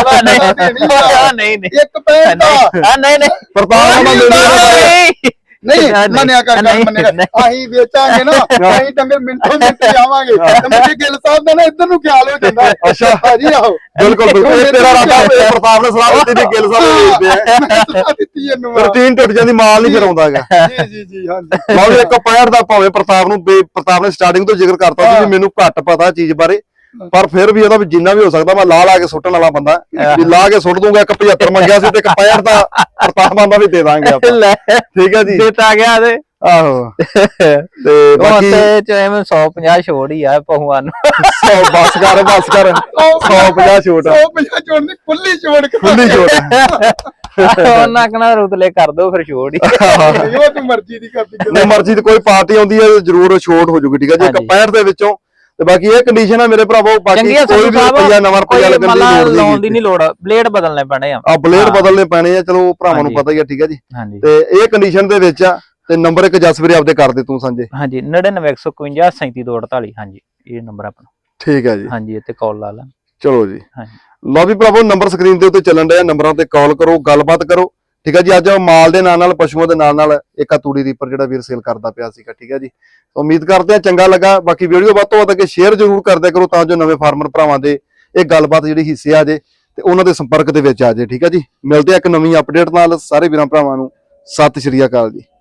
B: ਨਹੀਂ
C: 165 ਦਾ
B: ਨਹੀਂ
A: ਪ੍ਰਤਾਪ ਨਾਲ ਮਿਲਦੀ
C: ਨਹੀਂ ਮੰਨਿਆ ਕਰ ਅਸੀਂ ਵੇਚਾਂਗੇ ਨਾ, ਅਸੀਂ ਡੰਗਰ ਮਿੰਟੋ ਮਿੰਟ ਆਵਾਂਗੇ। ਤੇ ਮੇਰੇ ਗਿੱਲ ਸਾਹਿਬ ਦਾ ਨਾ ਇੱਧਰ ਨੂੰ ਖਿਆਲ ਹੋ ਜਾਂਦਾ।
A: ਅੱਛਾ
C: ਭਾਜੀ ਆਹੋ
A: ਬਿਲਕੁਲ ਬਿਲਕੁਲ, ਇਹ ਤੇਰਾ ਰਾਤਾ ਪ੍ਰਤਾਪ ਨੇ ਸਲਾਹ ਦਿੱਤੀ ਤੇ ਗਿੱਲ ਸਾਹਿਬ ਵੇਚਦੇ ਆ।
C: ਮੈਂ ਸਲਾਹ ਦਿੱਤੀ ਇਹਨੂੰ।
A: ਰੂਟੀਨ ਟੁੱਟ ਜਾਂਦੀ, ਮਾਲ ਨਹੀਂ ਫਿਰ ਆਉਂਦਾ ਹੈਗਾ।
C: ਜੀ ਹਾਂਜੀ।
A: ਲਓ ਜੀ 165 ਦਾ ਭਾਵੇਂ ਪ੍ਰਤਾਪ ਨੂੰ ਪ੍ਰਤਾਪ ਨੇ ਸਟਾਰਟਿੰਗ ਤੋਂ ਜ਼ਿਕਰ ਕਰਤਾ ਸੀ ਵੀ ਮੈਨੂੰ ਘੱਟ ਪਤਾ ਚੀਜ਼ ਬਾਰੇ, ਪਰ ਫਿਰ ਵੀ ਇਹਦਾ ਵੀ ਜਿੰਨਾ ਵੀ ਹੋ ਸਕਦਾ ਮੈਂ ਲਾ ਕੇ ਸੁੱਟਣ ਵਾਲਾ ਬੰਦਾ ਵੀ ਲਾ ਕੇ ਸੁੱਟ ਦੂੰਗਾ। 175 ਮੰਗਿਆ ਸੀ ਤੇ 165 ਦਾ ਪ੍ਰਤਾਪ ਆਂਦਾ ਵੀ ਦੇ ਦਾਂਗੇ ਆਪਾਂ। ਠੀਕ ਹੈ ਜੀ।
B: ਦਿੱਤਾ ਗਿਆ ਤੇ
A: ਆਹੋ ਤੇ ਬਾਕੀ
B: ਤੇ ਐਵੇਂ 150 ਛੋੜ ਹੀ ਆ ਪਹੂਆਂ ਨੂੰ।
A: 100 ਬਸ ਕਰ 150 ਛੋਟ
C: 150 ਛੋੜ ਨਹੀਂ, ਖੁੱਲੀ ਛੋੜ
A: ਖੁੱਲੀ ਛੋਟ।
B: ਉਹਨਾਂ ਕਹਣਾ ਰੁਤਲੇ ਕਰ ਦੋ ਫਿਰ ਛੋੜ ਹੀ।
C: ਉਹ ਤੇ ਮਰਜ਼ੀ ਦੀ ਕਰਦੀ।
A: ਨਹੀਂ ਮਰਜ਼ੀ ਤੇ ਕੋਈ ਪਾਰਟੀ ਆਉਂਦੀ ਹੈ ਜ਼ਰੂਰ ਛੋਟ ਹੋ ਜੂਗੀ। ਠੀਕ ਹੈ ਜੀ 165 ਦੇ ਵਿੱਚੋਂ। ਤੇ ਬਾਕੀ ਇਹ ਕੰਡੀਸ਼ਨ ਹੈ ਮੇਰੇ ਭਰਾਵੋ, ਬਾਕੀ ਕੋਈ ਵੀ ਰੁਪਈਆ ਨਵਾਂ ਰੁਪਈਆ ਲੱਗਣ ਦੀ
B: ਲਾਉਣ ਦੀ ਨਹੀਂ ਲੋੜ, ਬਲੇਡ ਬਦਲਨੇ ਪੈਣੇ ਆ।
A: ਬਲੇਡ ਬਦਲਨੇ ਪੈਣੇ ਆ, ਚਲੋ ਭਰਾਵਾਂ ਨੂੰ ਪਤਾ ਹੀ ਆ। ਠੀਕ ਹੈ ਜੀ। ਤੇ ਇਹ ਕੰਡੀਸ਼ਨ ਦੇ ਵਿੱਚ ਆ। ਤੇ ਨੰਬਰ ਇੱਕ ਜਸ ਵੀਰੇ ਆਪਦੇ ਕਰ ਦੇ ਤੂੰ ਸੰਜੇ।
B: ਹਾਂਜੀ 99 151 37 ਹਾਂਜੀ ਇਹ ਨੰਬਰ ਆਪਣਾ।
A: ਠੀਕ ਹੈ ਜੀ।
B: ਹਾਂਜੀ ਇੱਥੇ ਕਾਲ ਲਾ ਲਾ।
A: ਚਲੋ ਜੀ।
B: ਹਾਂਜੀ
A: ਲਓ ਵੀ ਭਰਾਵੋ ਨੰਬਰ ਸਕਰੀਨ ਦੇ ਉੱਤੇ ਚੱਲਣ ਡਿਆ, ਨੰਬਰਾਂ ਤੇ ਕਾਲ ਕਰੋ, ਗੱਲਬਾਤ ਕਰੋ। ਠੀਕ ਹੈ ਜੀ। ਅੱਜ ਮਾਲ ਦੇ ਨਾਲ ਨਾਲ ਪਸ਼ੂਆਂ ਦੇ ਨਾਲ ਨਾਲ ਇੱਕ ਆ ਤੂੜੀ ਰੀਪਰ ਜਿਹੜਾ ਵੀਰ ਸੇਲ ਕਰਦਾ ਪਿਆ ਸੀਗਾ। ਠੀਕ ਹੈ ਜੀ। ਉਮੀਦ ਕਰਦੇ ਆ ਚੰਗਾ ਲੱਗਾ। ਬਾਕੀ ਵੀਡੀਓ ਵੱਧ ਤੋਂ ਵੱਧ ਅੱਗੇ ਸ਼ੇਅਰ ਜ਼ਰੂਰ ਕਰਦਿਆ ਕਰੋ ਤਾਂ ਜੋ ਨਵੇਂ ਫਾਰਮਰ ਭਰਾਵਾਂ ਦੇ ਇਹ ਗੱਲਬਾਤ ਜਿਹੜੀ ਹਿੱਸੇ ਆ ਜੇ ਤੇ ਉਹਨਾਂ ਦੇ ਸੰਪਰਕ ਦੇ ਵਿੱਚ ਆ ਜੇ। ਠੀਕ ਹੈ ਜੀ। ਮਿਲਦੇ ਆ ਇੱਕ ਨਵੀਂ ਅਪਡੇਟ ਨਾਲ। ਸਾਰੇ ਵੀਰਾਂ ਭਰਾਵਾਂ ਨੂੰ ਸਤਿ ਸ਼੍ਰੀ ਅਕਾਲ ਜੀ।